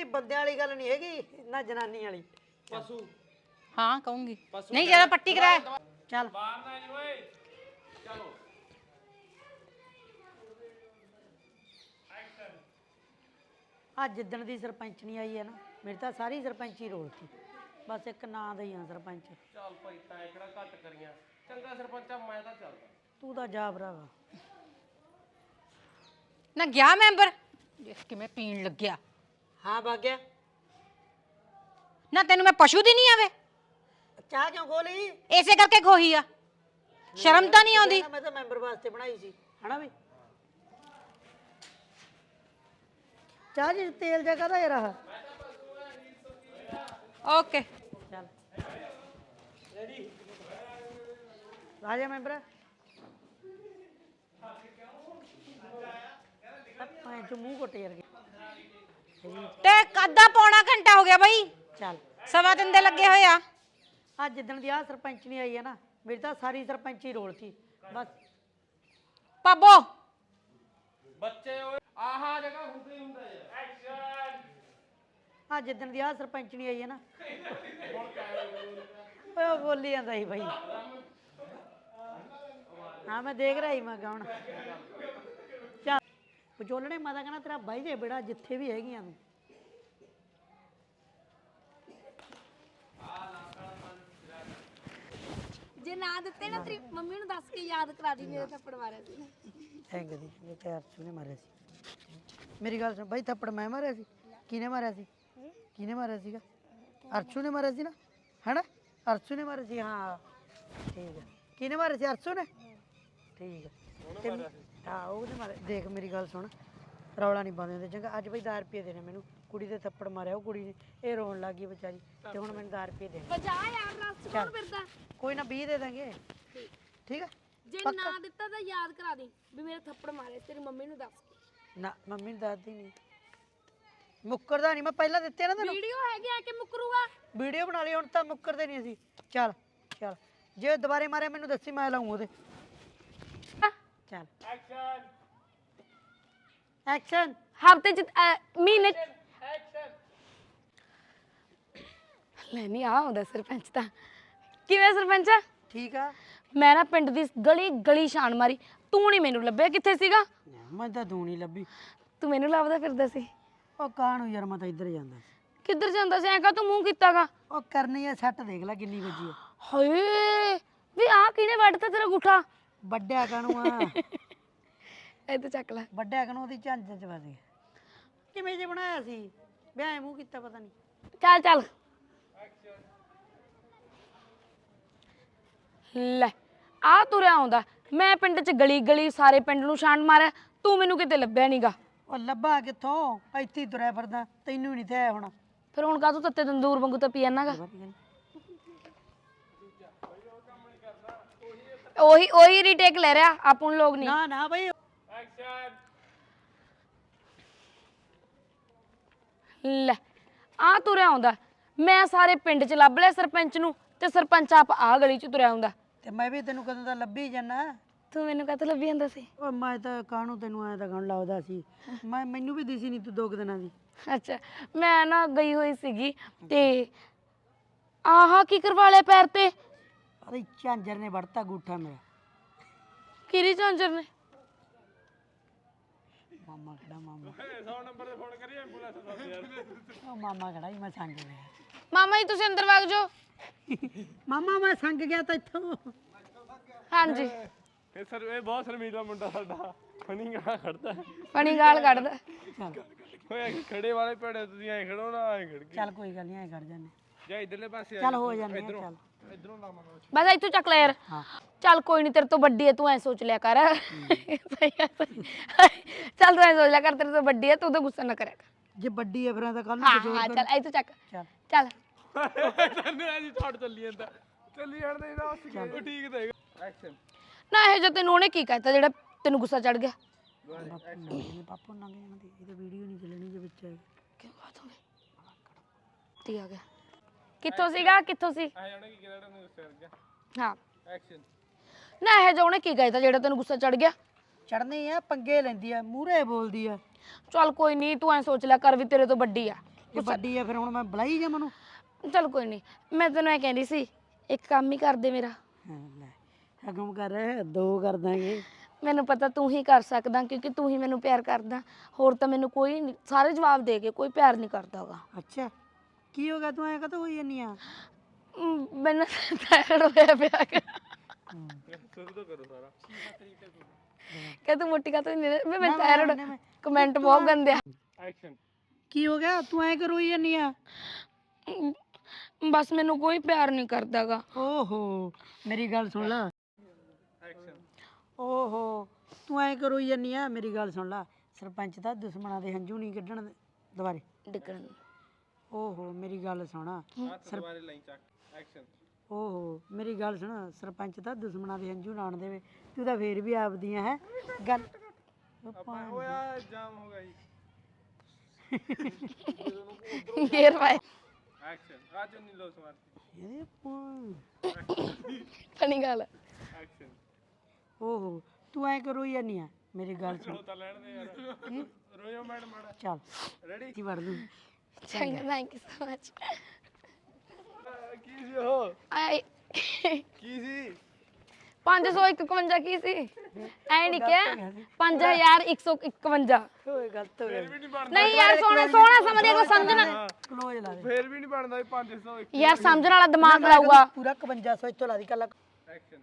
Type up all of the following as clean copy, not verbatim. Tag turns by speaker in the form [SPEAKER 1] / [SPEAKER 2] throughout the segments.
[SPEAKER 1] ਮੇਰੀ ਬੰਦਿਆਂ ਵਾਲੀ ਗੱਲ ਨਹੀਂ ਹੈਗੀ ਨਾ ਜਨਾਨੀ ਵਾਲੀ।
[SPEAKER 2] ਪਸ਼ੂ
[SPEAKER 3] हाँ कहूंगी नहीं ज्यादा पट्टी कराए
[SPEAKER 1] ਚੱਲ
[SPEAKER 2] ਬਾਹਰ ਨਾ ਜੀ ਓਏ ਚਲੋ
[SPEAKER 1] ਆ ਜਿੱਦਣ ਦੀ ਸਰਪੰਚਣੀ ਆਈ ਹੈ ਨਾ ਮੇਰੀ ਤਾਂ ਸਾਰੀ ਸਰਪੰਚੀ ਰੋਲਤੀ ਬਸ ਇੱਕ ਨਾਂ ਦਾ ਹੀ ਆ ਸਰਪੰਚ।
[SPEAKER 2] ਚੱਲ ਭਾਈ ਤੈਂ ਕਿਹੜਾ ਘੱਟ ਕਰੀਆਂ ਚੰਗਾ ਸਰਪੰਚਾ ਮੈਂ ਤਾਂ ਚੱਲਦਾ
[SPEAKER 1] ਤੂੰ ਤਾਂ ਜਾ ਭਰਾਵਾ।
[SPEAKER 3] ना गया मैंबर देख के मैं पीन लग गया
[SPEAKER 1] ਹਾਂ ਭਾਗਿਆ
[SPEAKER 3] ना तेनू मैं पशु दी नहीं आवे
[SPEAKER 1] ਚਾਹ ਕਿਉਂ ਖੋਲੀ?
[SPEAKER 3] ऐसे करके खोही आ शर्म तो नहीं आती
[SPEAKER 1] ਮੈਂ ਤਾਂ ਮੈਂਬਰ ਵਾਸਤੇ ਬਣਾਈ ਸੀ ਹਨਾ ਵੀ। ਚਾਹ ਜੀ ਤੇਲ ਜਿਹਾ ਕਾਹਦਾ ਯਾਰ ਆਹ?
[SPEAKER 3] ओके
[SPEAKER 1] ਚੱਲ ਰੈਡੀ ਆ ਜਾ ਮੈਂਬਰ। ਮੈਂ ਜੋ ਮੂੰਹ ਘੁੱਟ ਯਾਰ
[SPEAKER 3] ते कदा पौना घंटा हो गया भाई
[SPEAKER 1] ਚੱਲ।
[SPEAKER 3] सवा दिन दे लगे होए आ
[SPEAKER 1] ਆ ਜਿੱਦਣ ਦੀ ਆ ਸਰਪੰਚਣੀ ਆਈ ਹੈ ਨਾ ਮੇਰੀ ਤਾਂ ਸਾਰੀ ਸਰਪੰਚੀ ਰੋਲਤੀ ਬਸ।
[SPEAKER 3] पाबो
[SPEAKER 2] ਬੱਚੇ ਓਏ ਆਹਾ ਜਗ੍ਹਾ ਹੁੰਦੇ ਹੁੰਦਾ ਯਾਰ ਐਕਸ਼ਨ
[SPEAKER 1] ਆ ਜਿੱਦਣ ਦੀ ਆ ਸਰਪੰਚਣੀ ਆਈ ਹੈ ਨਾ ਓਏ ਉਹ ਬੋਲੀ ਜਾਂਦਾ ਸੀ ਭਾਈ। ਹਾਂ ਮੈਂ ਦੇਖ ਰਹੀ ਮੈਂ ਗਾਉਣ। ਚੱਲ ਵਿਚੋਲਣੇ ਮਾਤਾ ਕਹਿੰਦਾ ਤੇਰਾ ਬਾਈ ਜੇ ਬੇੜਾ ਜਿੱਥੇ ਵੀ ਹੈਗੀਆਂ ਤੂੰ।
[SPEAKER 4] ਜੇ ਨਾ ਦਿੱਤੇ ਨਾ ਤੇਰੀ ਮੰਮੀ ਨੂੰ ਦੱਸ ਕੇ ਯਾਦ ਕਰਾ ਦੀ ਮੇਰੇ ਥੱਪੜ ਮਾਰਿਆ ਸੀ।
[SPEAKER 1] ਥੈਂਕ ਯੂ ਜੀ ਤੇ ਅਰਸ਼ੂ ਨੇ ਮਾਰਿਆ ਸੀ। ਮੇਰੀ ਗੱਲ ਸੁਣ ਬਾਈ ਥੱਪੜ ਮੈਂ ਮਾਰਿਆ ਸੀ? ਕਿਹਨੇ ਮਾਰਿਆ ਸੀ? ਕਿਹਨੇ ਮਾਰਿਆ ਸੀਗਾ? ਅਰਸ਼ੂ ਨੇ ਮਾਰਿਆ ਸੀ ਨਾ ਹੈਨਾ? ਅਰਸ਼ੂ ਨੇ ਮਾਰਿਆ ਸੀ ਹਾਂ ਠੀਕ ਹੈ। ਕਿਹਨੇ ਮਾਰਿਆ ਸੀ? ਅਰਸ਼ੂ ਨੇ ਠੀਕ ਹੈ। ਹਾਂ ਉਹਨੇ ਮਾਰਿਆ। ਦੇਖ ਮੇਰੀ ਗੱਲ ਸੁਣ ਰੌਲਾ ਨਹੀਂ ਪਾਉਂਦੇ ਹੁੰਦੇ ਚੰਗਾ। ਅੱਜ ਬਈ 10 ਰੁਪਏ ਦੇਣੇ ਮੈਨੂੰ ਕੁੜੀ ਦੇ ਥੱਪੜ ਮਾਰਿਆ ਉਹ ਕੁੜੀ ਨੇ ਇਹ ਰੋਣ ਲੱਗ ਗਈ ਵਿਚਾਰੀ ਤੇ ਹੁਣ ਮੈਨੂੰ 10 ਰੁਪਏ ਦੇ।
[SPEAKER 4] ਬਜਾ ਯਾਰ ਰਸ ਕੋਣ ਫਿਰਦਾ।
[SPEAKER 1] ਕੋਈ ਨਾ 20 ਦੇ ਦਾਂਗੇ ਠੀਕ ਹੈ।
[SPEAKER 4] ਜੇ ਨਾ ਦਿੱਤਾ ਤਾਂ ਯਾਦ ਕਰਾ ਦੀ ਵੀ ਮੇਰੇ ਥੱਪੜ ਮਾਰੇ ਤੇਰੀ ਮੰਮੀ ਨੂੰ ਦੱਸ ਕੇ।
[SPEAKER 1] ਨਾ ਮੰਮੀ ਨੂੰ ਦੱਸਦੀ ਨਹੀਂ ਮੁੱਕਰਦਾ ਨਹੀਂ। ਮੈਂ ਪਹਿਲਾਂ ਦਿੱਤੇ ਨਾ ਤੈਨੂੰ
[SPEAKER 4] ਵੀਡੀਓ ਹੈਗੀ ਆ ਕਿ ਮੁਕਰੂਗਾ।
[SPEAKER 1] ਵੀਡੀਓ ਬਣਾ ਲਈ ਹੁਣ ਤਾਂ ਮੁੱਕਰਦੇ ਨਹੀਂ ਅਸੀਂ। ਚੱਲ ਚੱਲ ਜੇ ਦੁਬਾਰੇ ਮਾਰਿਆ ਮੈਨੂੰ ਦੱਸੀ ਮੈਂ ਲਾਉਂ ਉਹਦੇ। ਚੱਲ
[SPEAKER 2] ਐਕਸ਼ਨ
[SPEAKER 1] ਐਕਸ਼ਨ।
[SPEAKER 4] ਹਫਤੇ ਚ ਮਹੀਨੇ ਲੈ ਨਹੀਂ ਆ ਹੁੰਦਾ ਸਰਪੰਚ ਤਾਂ। ਕਿਵੇਂ ਸਰਪੰਚ?
[SPEAKER 1] ਠੀਕ ਆ।
[SPEAKER 4] ਮੈਂ ਨਾ ਪਿੰਡ ਦੀ ਗਲੀ ਗਲੀ ਛਾਣ ਮਾਰੀ ਤੂੰ ਨਹੀਂ ਮੈਨੂੰ ਲੱਭਿਆ। ਕਿੱਥੇ ਸੀਗਾ?
[SPEAKER 1] ਮੈਂ ਤਾਂ ਦੂਣੀ ਲੱਭੀ।
[SPEAKER 4] ਤੂੰ ਮੈਨੂੰ ਲੱਭਦਾ ਫਿਰਦਾ ਸੀ।
[SPEAKER 1] ਉਹ ਕਾਹਨੂੰ ਯਾਰ ਮੈਂ ਤਾਂ ਇੱਧਰ ਜਾਂਦਾ ਸੀ।
[SPEAKER 4] ਕਿੱਧਰ ਜਾਂਦਾ ਸੀ? ਐਂ ਕਾ ਤੂੰ ਮੂੰਹ ਕੀਤਾਗਾ?
[SPEAKER 1] ਉਹ ਕਰਨੀ ਆ ਸੱਟ ਦੇਖ ਲੈ ਕਿੰਨੀ ਵੱਜੀ ਆ।
[SPEAKER 4] ਹਾਏ ਵੀ ਆ ਕਿਹਨੇ ਵੱਢਤਾ ਤੇਰਾ ਗੁੱਠਾ?
[SPEAKER 1] ਵੱਡਿਆ ਕਾਹਨੂੰ ਆ
[SPEAKER 4] ਇਹ ਤਾਂ ਚੱਕ ਲੈ।
[SPEAKER 1] ਵੱਡਿਆ ਕਾਹਨੂੰ ਉਹਦੀ ਝੰਜ ਚ ਵੱਜ ਗਿਆ। ਕਿਵੇਂ ਜੇ ਬਣਾਇਆ ਸੀ ਵਿਆਹ ਮੂੰਹ ਕੀਤਾ ਪਤਾ ਨਹੀਂ।
[SPEAKER 4] ਚੱਲ ਚੱਲ ਲੈ ਆ ਤੁਰਿਆ ਆਉਂਦਾ। ਮੈਂ ਪਿੰਡ ਚ ਗਲੀ ਗਲੀ ਸਾਰੇ ਪਿੰਡ ਨੂੰ ਛਾਣ ਮਾਰਿਆ ਤੂੰ ਮੈਨੂੰ ਕਿਤੇ ਲੱਭਿਆ ਨਹੀਂਗਾ।
[SPEAKER 1] ਉਹ ਲੱਭਾ ਕਿੱਥੋਂ ਇੱਥੇ ਹੀ ਤੁਰਿਆ ਫਿਰਦਾ ਤੈਨੂੰ ਨਹੀਂ ਤੇ ਆਇਆ ਹੋਣਾ।
[SPEAKER 4] ਫਿਰ ਹੁਣ ਕਾਹਤੋਂ ਤੱਤੇ ਤੰਦੂਰ ਵਾਂਗੂ ਤਾਂ ਪੀ ਜਾਣਾਗਾ। ਉਹੀ ਰੀਟੇਕ ਲੈ ਰਿਹਾ ਆਪਾਂ ਨੂੰ ਲੋਕ ਨਹੀਂ।
[SPEAKER 1] ਨਾ ਨਾ ਬਈ
[SPEAKER 2] ਐਕਸ਼ਨ
[SPEAKER 4] ਲੈ ਆ ਤੁਰਿਆ ਆਉਂਦਾ। ਮੈਂ ਸਾਰੇ ਪਿੰਡ ਚ ਲੱਭ ਲਿਆ ਸਰਪੰਚ ਨੂੰ ਤੇ ਸਰਪੰਚ ਆਪ ਆ ਗਲੀ ਚ ਤੁਰਿਆ ਆਉਂਦਾ।
[SPEAKER 1] ਤੇ ਮੈਂ ਵੀ ਤੈਨੂੰ ਕਦੋਂ ਦਾ ਲੱਭੀ ਜਾਣਾ।
[SPEAKER 4] ਤੂੰ ਮੈਨੂੰ ਕਾਹਤੋਂ ਲੱਭੀ ਜਾਂਦਾ ਸੀ?
[SPEAKER 1] ਓ ਮੈਂ ਤਾਂ ਕਾਹਨੂੰ ਤੈਨੂੰ ਐਂ ਤਾਂ ਗਣ ਲਾਉਦਾ ਸੀ। ਮੈਨੂੰ ਵੀ ਦਿਸੀ ਨਹੀਂ ਤੂੰ 2 ਦਿਨਾਂ ਦੀ।
[SPEAKER 4] ਅੱਛਾ ਮੈਂ ਨਾ ਗਈ ਹੋਈ ਸੀਗੀ ਤੇ ਆਹਾ ਕੀ ਕਰਵਾ ਲਿਆ ਪੈਰ ਤੇ?
[SPEAKER 1] ਅਰੇ ਝਾਂਜਰ ਨੇ ਵੜਤਾ ਗੂਠਾ ਮੇਰਾ।
[SPEAKER 4] ਕਿਹੜੀ ਝਾਂਜਰ ਨੇ?
[SPEAKER 1] ਮਾਮਾ ਖੜਾ ਮਾਮਾ।
[SPEAKER 2] 100 ਨੰਬਰ ਤੇ ਫੋਨ ਕਰੀ ਐਂਬੂਲੈਂਸ ਦਾ ਯਾਰ।
[SPEAKER 1] ਉਹ ਮਾਮਾ ਖੜਾ ਹੀ ਮੈਂ ਸੰਗ ਗਿਆ।
[SPEAKER 4] ਮਾਮਾ ਜੀ ਤੁਸੀਂ ਅੰਦਰ ਵਗ ਜਾਓ।
[SPEAKER 1] ਮਾਮਾ ਮੈਂ ਸੰਗ ਗਿਆ ਤਾਂ ਇੱਥੋਂ।
[SPEAKER 4] ਹਾਂਜੀ
[SPEAKER 2] ਇਹ ਸਰ ਇਹ ਬਹੁਤ ਸ਼ਰਮੀਲਾ ਮੁੰਡਾ ਸਾਡਾ ਫਨੀ ਗਾ ਖੜਦਾ
[SPEAKER 4] ਪਣੀ ਗਾਲ ਕੱਢਦਾ।
[SPEAKER 1] ਚੱਲ
[SPEAKER 2] ਹੋਇਆ ਕਿ ਖੜੇ ਵਾਲੇ ਭੜੇ ਤੁਸੀਂ ਐ ਖੜੋ ਨਾ ਐ ਖੜ ਕੇ
[SPEAKER 1] ਚੱਲ ਕੋਈ ਗੱਲ ਨਹੀਂ ਐ ਕਰ ਜਾਂਦੇ।
[SPEAKER 2] ਜਾਂ ਇਧਰਲੇ ਪਾਸੇ
[SPEAKER 1] ਚੱਲ ਹੋ ਜਾਂਦੇ ਆ ਚੱਲ।
[SPEAKER 2] ਇਧਰੋਂ ਲਾਵਾਂਗਾ
[SPEAKER 4] ਬਸ ਇੱਥੋਂ ਚੱਕ ਲੈ ਯਾਰ।
[SPEAKER 1] ਹਾਂ
[SPEAKER 4] ਚੱਲ ਕੋਈ ਨਹੀਂ ਤੇਰੇ ਤੋਂ ਵੱਡੀ ਹੈ ਤੂੰ ਐ ਸੋਚ ਲਿਆ ਕਰ। ਚੱਲ ਤੂੰ ਐ ਸੋਚ ਲਿਆ ਕਰ ਤੇਰੇ ਤੋਂ ਵੱਡੀ ਹੈ ਤੂੰ ਤਾਂ ਗੁੱਸਾ ਨਾ ਕਰਿਆ ਕਰ।
[SPEAKER 1] ਜੇ ਵੱਡੀ ਐ ਫਿਰ ਤਾਂ ਕੱਲ ਨੂੰ
[SPEAKER 4] ਹਾਂ
[SPEAKER 1] ਕੁਝ ਹੋਰ
[SPEAKER 4] ਹਾਂ
[SPEAKER 1] ਕਰ।
[SPEAKER 4] ਚੱਲ ਇੱਥੋਂ ਚੱਕ
[SPEAKER 1] ਚੱਲ
[SPEAKER 4] ਚੱਲ।
[SPEAKER 2] ਤੈਨੂੰ ਐ ਜੀ ਛੱਡ ਚੱਲੀ ਜਾਂਦਾ ਚੱਲੀ ਜਾਂਦਾ ਇਹਦਾ ਉਹ ਠੀਕ ਦੇਗਾ ਐਕਸ਼ਨ
[SPEAKER 4] ਨਾ ਇਹ ਜੋ ਤੈਨੂੰ ਉਹਨੇ ਕੀ ਕਹਿਤਾ ਜਿਹੜਾ ਤੈਨੂੰ ਗੁੱਸਾ ਚੜ ਗਿਆ?
[SPEAKER 1] ਪਾਪਾ ਨੰਗੇ ਜਾਂਦੇ ਇਹਦਾ ਵੀਡੀਓ ਨਹੀਂ ਚੱਲਣੀ ਜੇ ਵਿੱਚ ਆਏ।
[SPEAKER 4] ਕਿਉਂ ਬਾਤ ਹੋ ਗਈ? ਠੀਕ ਆ ਗਿਆ। ਕਿੱਥੋਂ ਸੀਗਾ ਕਿੱਥੋਂ ਸੀ?
[SPEAKER 2] ਆ ਜਾਣਾ ਕੀ ਕਿਹੜਾ ਨੂੰ ਸਿਰ ਗਿਆ
[SPEAKER 4] ਹਾਂ
[SPEAKER 2] ਐਕਸ਼ਨ
[SPEAKER 4] ਨਾ ਇਹ ਜੋ ਉਹਨੇ ਕੀ ਕਹਿਤਾ ਜਿਹੜਾ ਤੈਨੂੰ ਗੁੱਸਾ ਚੜ ਗਿਆ?
[SPEAKER 1] ਚੜਨੀ ਆ ਪੰਗੇ ਲੈਂਦੀ ਆ ਮੂਹਰੇ ਬੋਲਦੀ ਆ।
[SPEAKER 4] ਚੱਲ ਕੋਈ ਨਹੀਂ ਤੂੰ ਐ ਸੋਚ ਲਿਆ ਕਰ ਵੀ ਤੇਰੇ ਤੋਂ ਵੱਡੀ ਆ।
[SPEAKER 1] ਇਹ ਵੱਡੀ ਆ ਫਿਰ ਹੁਣ ਮੈਂ ਬੁਲਾਈ ਜਾ ਮੈਨੂੰ
[SPEAKER 4] ਚਲ ਕੋਈ ਨਹੀਂ, ਮੈਂ ਤੈਨੂੰ ਇਹ ਕਹਿੰਦੀ ਸੀ ਇੱਕ ਕੰਮ ਹੀ ਕਰ ਦੇ ਮੇਰਾ।
[SPEAKER 1] ਲੈ ਹਕਮ ਕਰ ਦੋ ਕਰ ਦਾਂਗੇ।
[SPEAKER 4] ਮੈਨੂੰ ਪਤਾ ਤੂੰ ਹੀ ਕਰ ਸਕਦਾ ਕਿਉਂਕਿ ਤੂੰ ਹੀ ਮੈਨੂੰ ਪਿਆਰ ਕਰਦਾ, ਹੋਰ ਤਾਂ ਮੈਨੂੰ ਕੋਈ ਨਹੀਂ, ਸਾਰੇ ਜਵਾਬ ਦੇ ਕੇ ਕੋਈ ਪਿਆਰ ਨਹੀਂ ਕਰਦਾਗਾ।
[SPEAKER 1] ਅੱਛਾ ਕੀ ਹੋ ਗਿਆ ਤੂੰ ਐ ਕਦੋਂ ਹੋਈ ਜਾਨੀ ਆ?
[SPEAKER 4] ਮੈਨੂੰ ਟਾਇਰ ਹੋਇਆ ਪਿਆ
[SPEAKER 2] ਸ਼ੁਰੂ ਤੋਂ ਕਰੋ ਸਾਰਾ
[SPEAKER 4] ਕਿ ਤੂੰ ਮੋਟੀ ਕਾ ਤੂੰ ਨਹੀਂ ਮੈਂ ਟਾਇਰ ਕਮੈਂਟ ਬਹੁਤ ਗੰਦੇ ਆ।
[SPEAKER 2] ਐਕਸ਼ਨ
[SPEAKER 1] ਕੀ ਹੋ ਗਿਆ ਤੂੰ ਐ ਕਰੋ ਹੋਈ ਜਾਨੀ ਆ?
[SPEAKER 4] ਬਸ ਮੈਨੂੰ ਕੋਈ ਪਿਆਰ ਨਹੀਂ ਕਰਦਾਗਾ।
[SPEAKER 1] ਓਹੋ ਮੇਰੀ ਗੱਲ ਸੁਣ ਲੈ।
[SPEAKER 2] ਐਕਸ਼ਨ
[SPEAKER 1] ਓਹੋ ਤੂੰ ਐ ਕਰੋ ਹੋਈ ਜਾਨੀ ਆ? ਮੇਰੀ ਗੱਲ ਸੁਣ ਲੈ, ਸਰਪੰਚ ਦਾ ਦੁਸ਼ਮਣਾਂ ਦੇ ਹੰਝੂ ਨਹੀਂ ਕੱਢਣ ਦੁਬਾਰੇ।
[SPEAKER 4] ਡਿੱਗਣ
[SPEAKER 1] ਓਹੋ ਮੇਰੀ ਗੱਲ ਸੁਣ
[SPEAKER 2] ਦੁਬਾਰੇ ਲਾਈ ਚੱਕ ਐਕਸ਼ਨ
[SPEAKER 1] ਓਹੋ ਮੇਰੀ ਗੱਲ ਸੁਣ, ਸਰਪੰਚ ਤਾਂ ਦੁਸ਼ਮਣਾਂ ਦੇ ਹੰਝੂ ਨਾਣ ਦੇਵੇ, ਤੂੰ ਤਾਂ ਫੇਰ ਵੀ ਆਪਦੀਆਂ ਹੈ ਗੱਲ।
[SPEAKER 2] ਓਏ ਆ ਜਾਮ ਹੋ ਗਿਆ ਜੀ
[SPEAKER 4] ਗੇਰ ਪਾਏ
[SPEAKER 2] ਐਕਸ਼ਨ ਆ ਚੁੰਨੀ ਲੋ ਸਮਾਰ
[SPEAKER 1] ਇਹਦੇ ਭਾ-
[SPEAKER 4] ਫਨੀ ਗੱਲ।
[SPEAKER 2] ਐਕਸ਼ਨ
[SPEAKER 1] ਓਹੋ ਤੂੰ ਐ ਕਰੋ ਹੋਈ ਜਾਨੀ ਆ? ਮੇਰੀ ਗੱਲ ਸੁਣ
[SPEAKER 2] ਤਾਂ ਲੈਣ ਦੇ ਯਾਰ ਰੋਇਓ ਮੈਡਮ ਮਾੜਾ
[SPEAKER 1] ਚੱਲ
[SPEAKER 2] ਰੈਡੀ
[SPEAKER 1] ਕੀ ਵੜ ਦੂੰ।
[SPEAKER 4] ਚੰਗਾ ਥੈਂਕ ਯੂ ਸੋ ਮਚ।
[SPEAKER 2] ਕੀ ਸੀ ਉਹ
[SPEAKER 4] ਆਏ
[SPEAKER 2] ਕੀ ਸੀ
[SPEAKER 4] 551 ਕੀ ਸੀ ਐ ਨਹੀਂ ਕਿਹਾ 5151
[SPEAKER 1] ਓਏ ਗਲਤ ਹੋ ਗਿਆ।
[SPEAKER 2] ਵੀ ਨਹੀਂ ਬਣਦਾ
[SPEAKER 4] ਨਹੀਂ ਯਾਰ ਸੋਹਣਾ ਸੋਹਣਾ ਸਮਝਿਆ ਕੋ ਸਮਝਣਾ
[SPEAKER 1] ਕਲੋਜ਼ ਲਾ ਦੇ
[SPEAKER 2] ਫੇਰ ਵੀ ਨਹੀਂ ਬਣਦਾ 501
[SPEAKER 4] ਯਾਰ ਸਮਝਣ ਵਾਲਾ ਦਿਮਾਗ ਲਾਊਗਾ।
[SPEAKER 1] ਪੂਰਾ 5500 ਇੱਥੋਂ ਲਾ ਦੀ ਕੱਲਾ
[SPEAKER 2] ਐਕਸ਼ਨ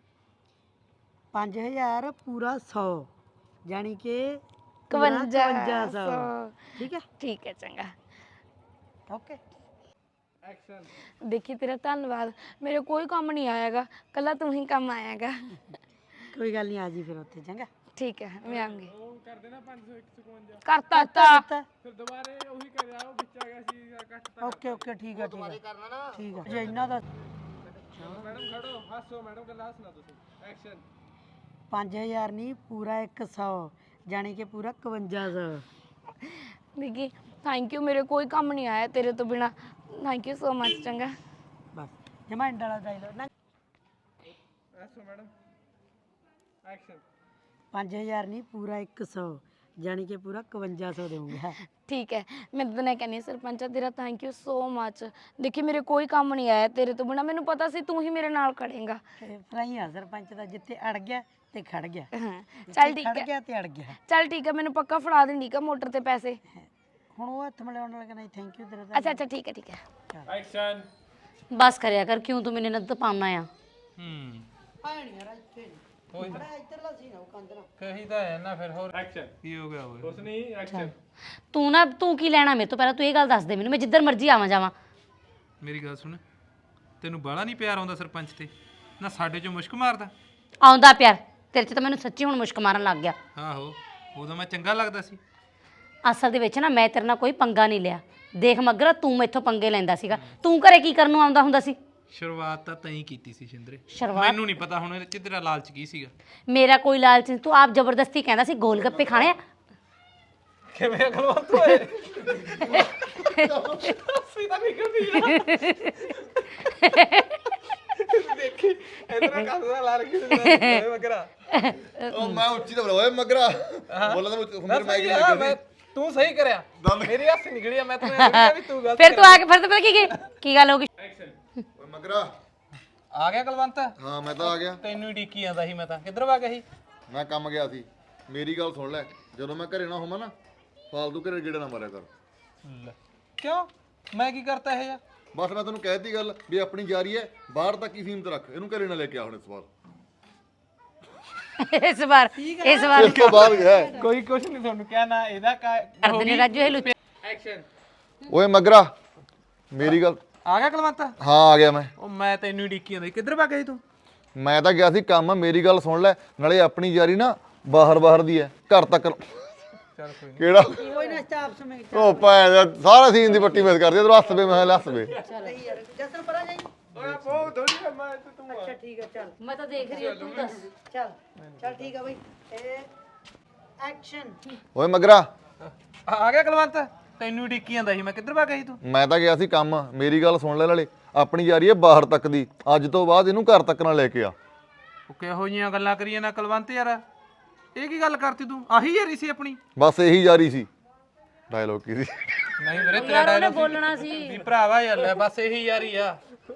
[SPEAKER 1] 5000 ਪੂਰਾ 100 ਯਾਨੀ ਕਿ
[SPEAKER 4] 5500
[SPEAKER 1] ਠੀਕ ਹੈ
[SPEAKER 4] ਠੀਕ ਹੈ ਚੰਗਾ।
[SPEAKER 1] ਓਕੇ
[SPEAKER 2] ਐਕਸ਼ਨ
[SPEAKER 4] ਦੇਖੀ ਤੇਰਾ ਧੰਨਵਾਦ, ਮੇਰੇ ਕੋਈ ਕੰਮ ਨਹੀਂ ਆਏਗਾ, ਕੱਲਾ ਤੂੰ ਹੀ ਕੰਮ ਆਏਗਾ।
[SPEAKER 1] ਕੋਈ ਗੱਲ ਨਹੀਂ ਆ ਜੀ ਫਿਰ ਉੱਥੇ ਚੰਗਾ।
[SPEAKER 4] ਠੀਕ ਹੈ ਮੈਂ ਆਉਂਗੀ।
[SPEAKER 2] ਉਹ ਕਰ ਦੇਣਾ 551
[SPEAKER 4] ਕਰਤਾ ਤਾ
[SPEAKER 2] ਫਿਰ ਦੁਬਾਰੇ ਉਹੀ ਕਰਿਆ ਉਹ ਵਿੱਚ ਆ ਗਿਆ ਸੀ ਕੱਟ
[SPEAKER 1] ਓਕੇ ਓਕੇ ਠੀਕ ਹੈ ਠੀਕ ਹੈ ਠੀਕ ਹੈ ਜੇ ਇਹਨਾਂ ਦਾ
[SPEAKER 2] ਮੈਡਮ ਖੜੋ ਹੱਸੋ ਮੈਡਮ ਕੱਲਾ ਹੱਸਣਾ ਤੁਸੀਂ ਐਕਸ਼ਨ
[SPEAKER 1] 5000 ਨਹੀਂ ਪੂਰਾ 100 ਯਾਨੀ ਕਿ ਪੂਰਾ 5500।
[SPEAKER 4] ਦੇਖੀ ਥੈਂਕ ਯੂ, ਮੇਰੇ ਕੋਈ ਕੰਮ ਨਹੀਂ ਆਇਆ ਤੇਰੇ ਤੋਂ ਬਿਨਾ, ਥੈਂਕ ਯੂ ਸੋ ਮਚ ਚੰਗਾ।
[SPEAKER 1] ਬਸ ਜਮਾਂਡ ਵਾਲਾ ਡਾਇਲੋਗ ਨਾ
[SPEAKER 2] ਹੱਸੋ ਮੈਡਮ ਐਕਸ਼ਨ
[SPEAKER 1] 5000 ਨਹੀਂ ਪੂਰਾ 100 ਯਾਨੀ ਕਿ ਪੂਰਾ 5500 ਦੇਵਾਂਗਾ।
[SPEAKER 4] ਠੀਕ ਹੈ ਮੈਂ ਤਾਂ ਨਹੀਂ ਕਹਿੰਦੀ ਸਰਪੰਚਾ ਤੇਰਾ ਥੈਂਕ ਯੂ ਸੋ ਮਚ। ਦੇਖੀ ਮੇਰੇ ਕੋਈ ਕੰਮ ਨਹੀਂ ਆਇਆ ਤੇਰੇ ਤੋਂ ਬਿਨਾ, ਮੈਨੂੰ ਪਤਾ ਸੀ ਤੂੰ ਹੀ ਮੇਰੇ ਨਾਲ ਖੜੇਗਾ।
[SPEAKER 1] ਫਰਾਈ ਆ ਸਰਪੰਚ ਦਾ ਜਿੱਥੇ ਅੜ ਗਿਆ ਤੇ ਖੜ ਗਿਆ,
[SPEAKER 4] ਹਾਂ ਚੱਲ ਠੀਕ
[SPEAKER 1] ਖੜ
[SPEAKER 4] ਹੈ
[SPEAKER 1] ਗਿਆ ਤੇ ਅੜ ਗਿਆ।
[SPEAKER 4] ਚੱਲ ਠੀਕ ਹੈ ਮੈਨੂੰ ਪੱਕਾ ਫੜਾ ਦੇ ਠੀਕ ਹੈ ਮੋਟਰ ਤੇ ਪੈਸੇ।
[SPEAKER 1] ਹੁਣ ਉਹ ਹੱਥ ਮਿਲਾਉਣ ਵਾਲਾ ਕਹਿੰਦਾ ਥੈਂਕ ਯੂ ਤੇਰਾ
[SPEAKER 4] ਅੱਛਾ ਅੱਛਾ ਠੀਕ ਹੈ ਠੀਕ ਹੈ।
[SPEAKER 2] ਐਕਸ਼ਨ
[SPEAKER 5] बस करया कर क्यों तू मैंने नद पाना आ
[SPEAKER 1] ਆਣੀ ਯਾਰ ਇੱਥੇ ਨਹੀਂ ਬੜਾ ਇੱਧਰਲਾ ਸੀ ਨਾ ਉਹ ਕੰਧ ਨਾਲ
[SPEAKER 2] ਕਹੀ ਤਾਂ ਹੈ ਨਾ ਫਿਰ ਹੋਰ ਐਕਸ਼ਨ ਕੀ ਹੋ ਗਿਆ ਓਏ ਕੁਛ ਨਹੀਂ ਐਕਸ਼ਨ
[SPEAKER 5] तू ना तू की लेना मेरे तो पहले तू ये गल दस दे मैनू, मैं जिधर मर्जी आवां जावां।
[SPEAKER 6] ਮੇਰੀ ਗੱਲ ਸੁਣ, ਤੈਨੂੰ ਬਾਲਾ ਨਹੀਂ ਪਿਆਰ ਆਉਂਦਾ ਸਰਪੰਚ ਤੇ? ਨਾ ਸਾਡੇ ਚੋਂ ਮੁਸ਼ਕ ਮਾਰਦਾ?
[SPEAKER 5] आउंदा प्यार तेरे च तो मैनू सच्ची हुण मुश्क मारन लग गया।
[SPEAKER 6] ਆਹੋ ਉਦੋਂ ਮੈਂ ਚੰਗਾ ਲੱਗਦਾ ਸੀ।
[SPEAKER 5] असल दे विच ना मैं तेरे नाल कोई पंगा नहीं लिया। देख मगरा तू मैथों पंगे लैंदा सीगा, तू घरे की करन नूं आउंदा हुंदा सी?
[SPEAKER 6] ਸ਼ੁਰੂਆਤ ਤਾਂ ਤੈਂ ਹੀ ਕੀਤੀ ਸੀ ਸ਼ਿੰਦਰੇ।
[SPEAKER 5] शुरुआत
[SPEAKER 6] ਮੈਨੂੰ ਨਹੀਂ ਪਤਾ ਹੁਣ ਇਹਦੇ ਚ ਤੇਰਾ ਲਾਲਚ ਕੀ ਸੀਗਾ।
[SPEAKER 5] मेरा कोई लालच नहीं, तू आप जबरदस्ती कहंदा सी गोल गप्पे खाने आ।
[SPEAKER 2] ਕਿਵੇਂ ਅਗਲਵੰਤ ਹੋਏ ਸੀਦਾ ਨਿਕਲਦੀ ਦੇਖੀ ਇਧਰ ਕੱਸਦਾ ਲਾ ਰੱਖੀ ਸੀ ਮਗਰਾ
[SPEAKER 7] ਉਹ ਮੈਂ ਉੱਚੀ ਤਾਂ ਬੋਲਿਆ ਓਏ ਮਗਰਾ ਬੋਲਦਾ ਮੈਂ ਮਾਈਕ ਨਹੀਂ ਲੱਗਿਆ
[SPEAKER 2] ਤੂੰ ਸਹੀ ਕਰਿਆ ਮੇਰੀ ਹੱਸ ਨਿਕਲੀ ਆ ਮੈਂ ਤੈਨੂੰ ਇਹ ਕਿਹਾ ਵੀ ਤੂੰ ਗਲਤ
[SPEAKER 5] फिर तू आके फिर तो पता की गल होगी।
[SPEAKER 2] ਐਕਸ਼ਨ
[SPEAKER 7] ਓਏ ਮਗਰਾ
[SPEAKER 2] ਆ ਗਿਆ ਕਲਵੰਤ
[SPEAKER 7] ਹਾਂ ਮੈਂ ਤਾਂ ਆ ਗਿਆ।
[SPEAKER 2] ਤੈਨੂੰ ਹੀ ਡੀਕੀ ਜਾਂਦਾ ਸੀ ਮੈਂ ਤਾਂ ਕਿੱਧਰ ਵਾ ਗਿਆ ਸੀ
[SPEAKER 7] ਮੈਂ ਕੰਮ ਗਿਆ ਸੀ। ਮੇਰੀ ਗੱਲ ਸੁਣ ਲੈ, ਜਦੋਂ ਮੈਂ ਘਰੇ ਨਾ ਹੋਵਾਂ ਨਾ ਫਾਲਤੂ ਘਰੇ ਗੇੜਾ ਨਾ ਮਾਰਿਆ ਕਰ।
[SPEAKER 2] ਕਿਉਂ ਮੈਂ ਕੀ ਕਰਤਾ ਇਹ
[SPEAKER 7] ਬਸ ਮੈਂ ਤੈਨੂੰ ਕਹਿਤੀ ਗੱਲ ਵੀ ਆਪਣੀ ਜਾਰੀ ਹੈ, ਬਾਹਰ ਤੱਕ ਹੀ ਸੀਮਤ ਰੱਖ, ਇਹਨੂੰ ਘਰੇ ਨਾ ਲੈ ਕੇ ਆ ਹੁਣ ਇਸ ਵਾਰ।
[SPEAKER 5] इस बार
[SPEAKER 7] ਇਸ ਤੋਂ ਬਾਅਦ ਗਿਆ
[SPEAKER 2] ਕੋਈ ਕੁਛ ਨਹੀਂ ਤੁਹਾਨੂੰ ਕਿਹਾ ਨਾ ਇਹਦਾ
[SPEAKER 5] कर देने राजू हेलू।
[SPEAKER 2] ਐਕਸ਼ਨ
[SPEAKER 7] ਓਏ ਮਗਰਾ ਮੇਰੀ ਗੱਲ
[SPEAKER 2] ਆ ਗਿਆ ਕਲਵੰਤ
[SPEAKER 7] ਹਾਂ ਆ ਗਿਆ ਮੈਂ।
[SPEAKER 2] ਉਹ ਮੈਂ ਤੈਨੂੰ ਹੀ ਡੀਕੀ ਜਾਂਦਾ ਸੀ ਕਿੱਧਰ ਵਾ ਗਿਆ ਸੀ ਤੂੰ
[SPEAKER 7] ਮੈਂ ਤਾਂ ਗਿਆ ਸੀ ਕੰਮ, ਮੇਰੀ ਗੱਲ ਸੁਣ ਲੈ, ਨਾਲੇ ਆਪਣੀ ਜਾਰੀ ਨਾ ਬਾਹਰ ਦੀ ਹੈ, ਘਰ ਤੱਕ
[SPEAKER 2] ਚੱਲ ਕੋਈ
[SPEAKER 7] ਕਿਹੜਾ
[SPEAKER 1] ਕੋਈ ਨਾ ਸਟਾਪ ਸਮੇਂ
[SPEAKER 7] ਉਹ ਪਾਇਆ ਸਾਰਾ ਸੀਨ ਦੀ ਪੱਟੀ ਮਿਸ ਕਰਦੀ ਇਧਰ ਹੱਸ ਵੇ ਮੈਂ ਹੱਸ ਵੇ।
[SPEAKER 1] ਨਹੀਂ ਯਾਰ ਜਸਨ ਪਰਾਂ ਜਾਈ।
[SPEAKER 2] ਓਏ ਬਹੁਤ ਥੋੜੀ ਮੈਂ ਤੇ ਤੂੰ
[SPEAKER 1] ਅੱਛਾ ਠੀਕ ਹੈ ਚੱਲ
[SPEAKER 5] मैं तो देख रही हूं तू दस।
[SPEAKER 1] ਚੱਲ ਚੱਲ ਠੀਕ ਹੈ ਬਈ ਇਹ ਐਕਸ਼ਨ
[SPEAKER 7] ਓਏ ਮਗਰਾ
[SPEAKER 2] ਆ ਗਿਆ ਕਲਵੰਤ ਤੈਨੂੰ ਹੀ ਡੀਕੀ ਜਾਂਦਾ ਸੀ ਮੈਂ ਕਿੱਧਰ ਵਾ ਗਿਆ ਸੀ ਤੂੰ
[SPEAKER 7] ਮੈਂ ਤਾਂ ਗਿਆ ਸੀ ਕੰਮ, ਮੇਰੀ ਗੱਲ ਸੁਣ ਲੈ ਨਾਲੇ, ਆਪਣੀ ਜਾਰੀ ਹੈ ਬਾਹਰ ਤੱਕ ਦੀ, ਅੱਜ ਤੋਂ ਬਾਅਦ ਇਹਨੂੰ ਘਰ ਤੱਕ ਨਾ ਲੈ ਕੇ ਆ।
[SPEAKER 2] ਉਹ ਕਿਹੋ ਜੀਆਂ ਗੱਲਾਂ ਕਰੀਏ ਨਾ ਕਲਵੰਤ ਯਾਰ ਇਹ ਕੀ ਗੱਲ ਕਰਤੀ ਤੂੰ ਆਹੀ ਯਾਰੀ ਸੀ ਆਪਣੀ
[SPEAKER 7] ਬਸ ਇਹੀ ਜਾਰੀ ਸੀ। ਡਾਇਲੋਗ ਕੀ ਸੀ?
[SPEAKER 6] ਨਹੀਂ ਵੀਰੇ ਤੇਰਾ
[SPEAKER 5] ਯਾਰ ਉਹਨੇ
[SPEAKER 6] ਡਾਇਲੌਗ
[SPEAKER 5] ਬੋਲਣਾ ਸੀ
[SPEAKER 6] ਵੀ ਭਰਾਵਾ ਯਾਰ ਲੈ ਬਸ ਇਹੀ ਯਾਰੀ ਆ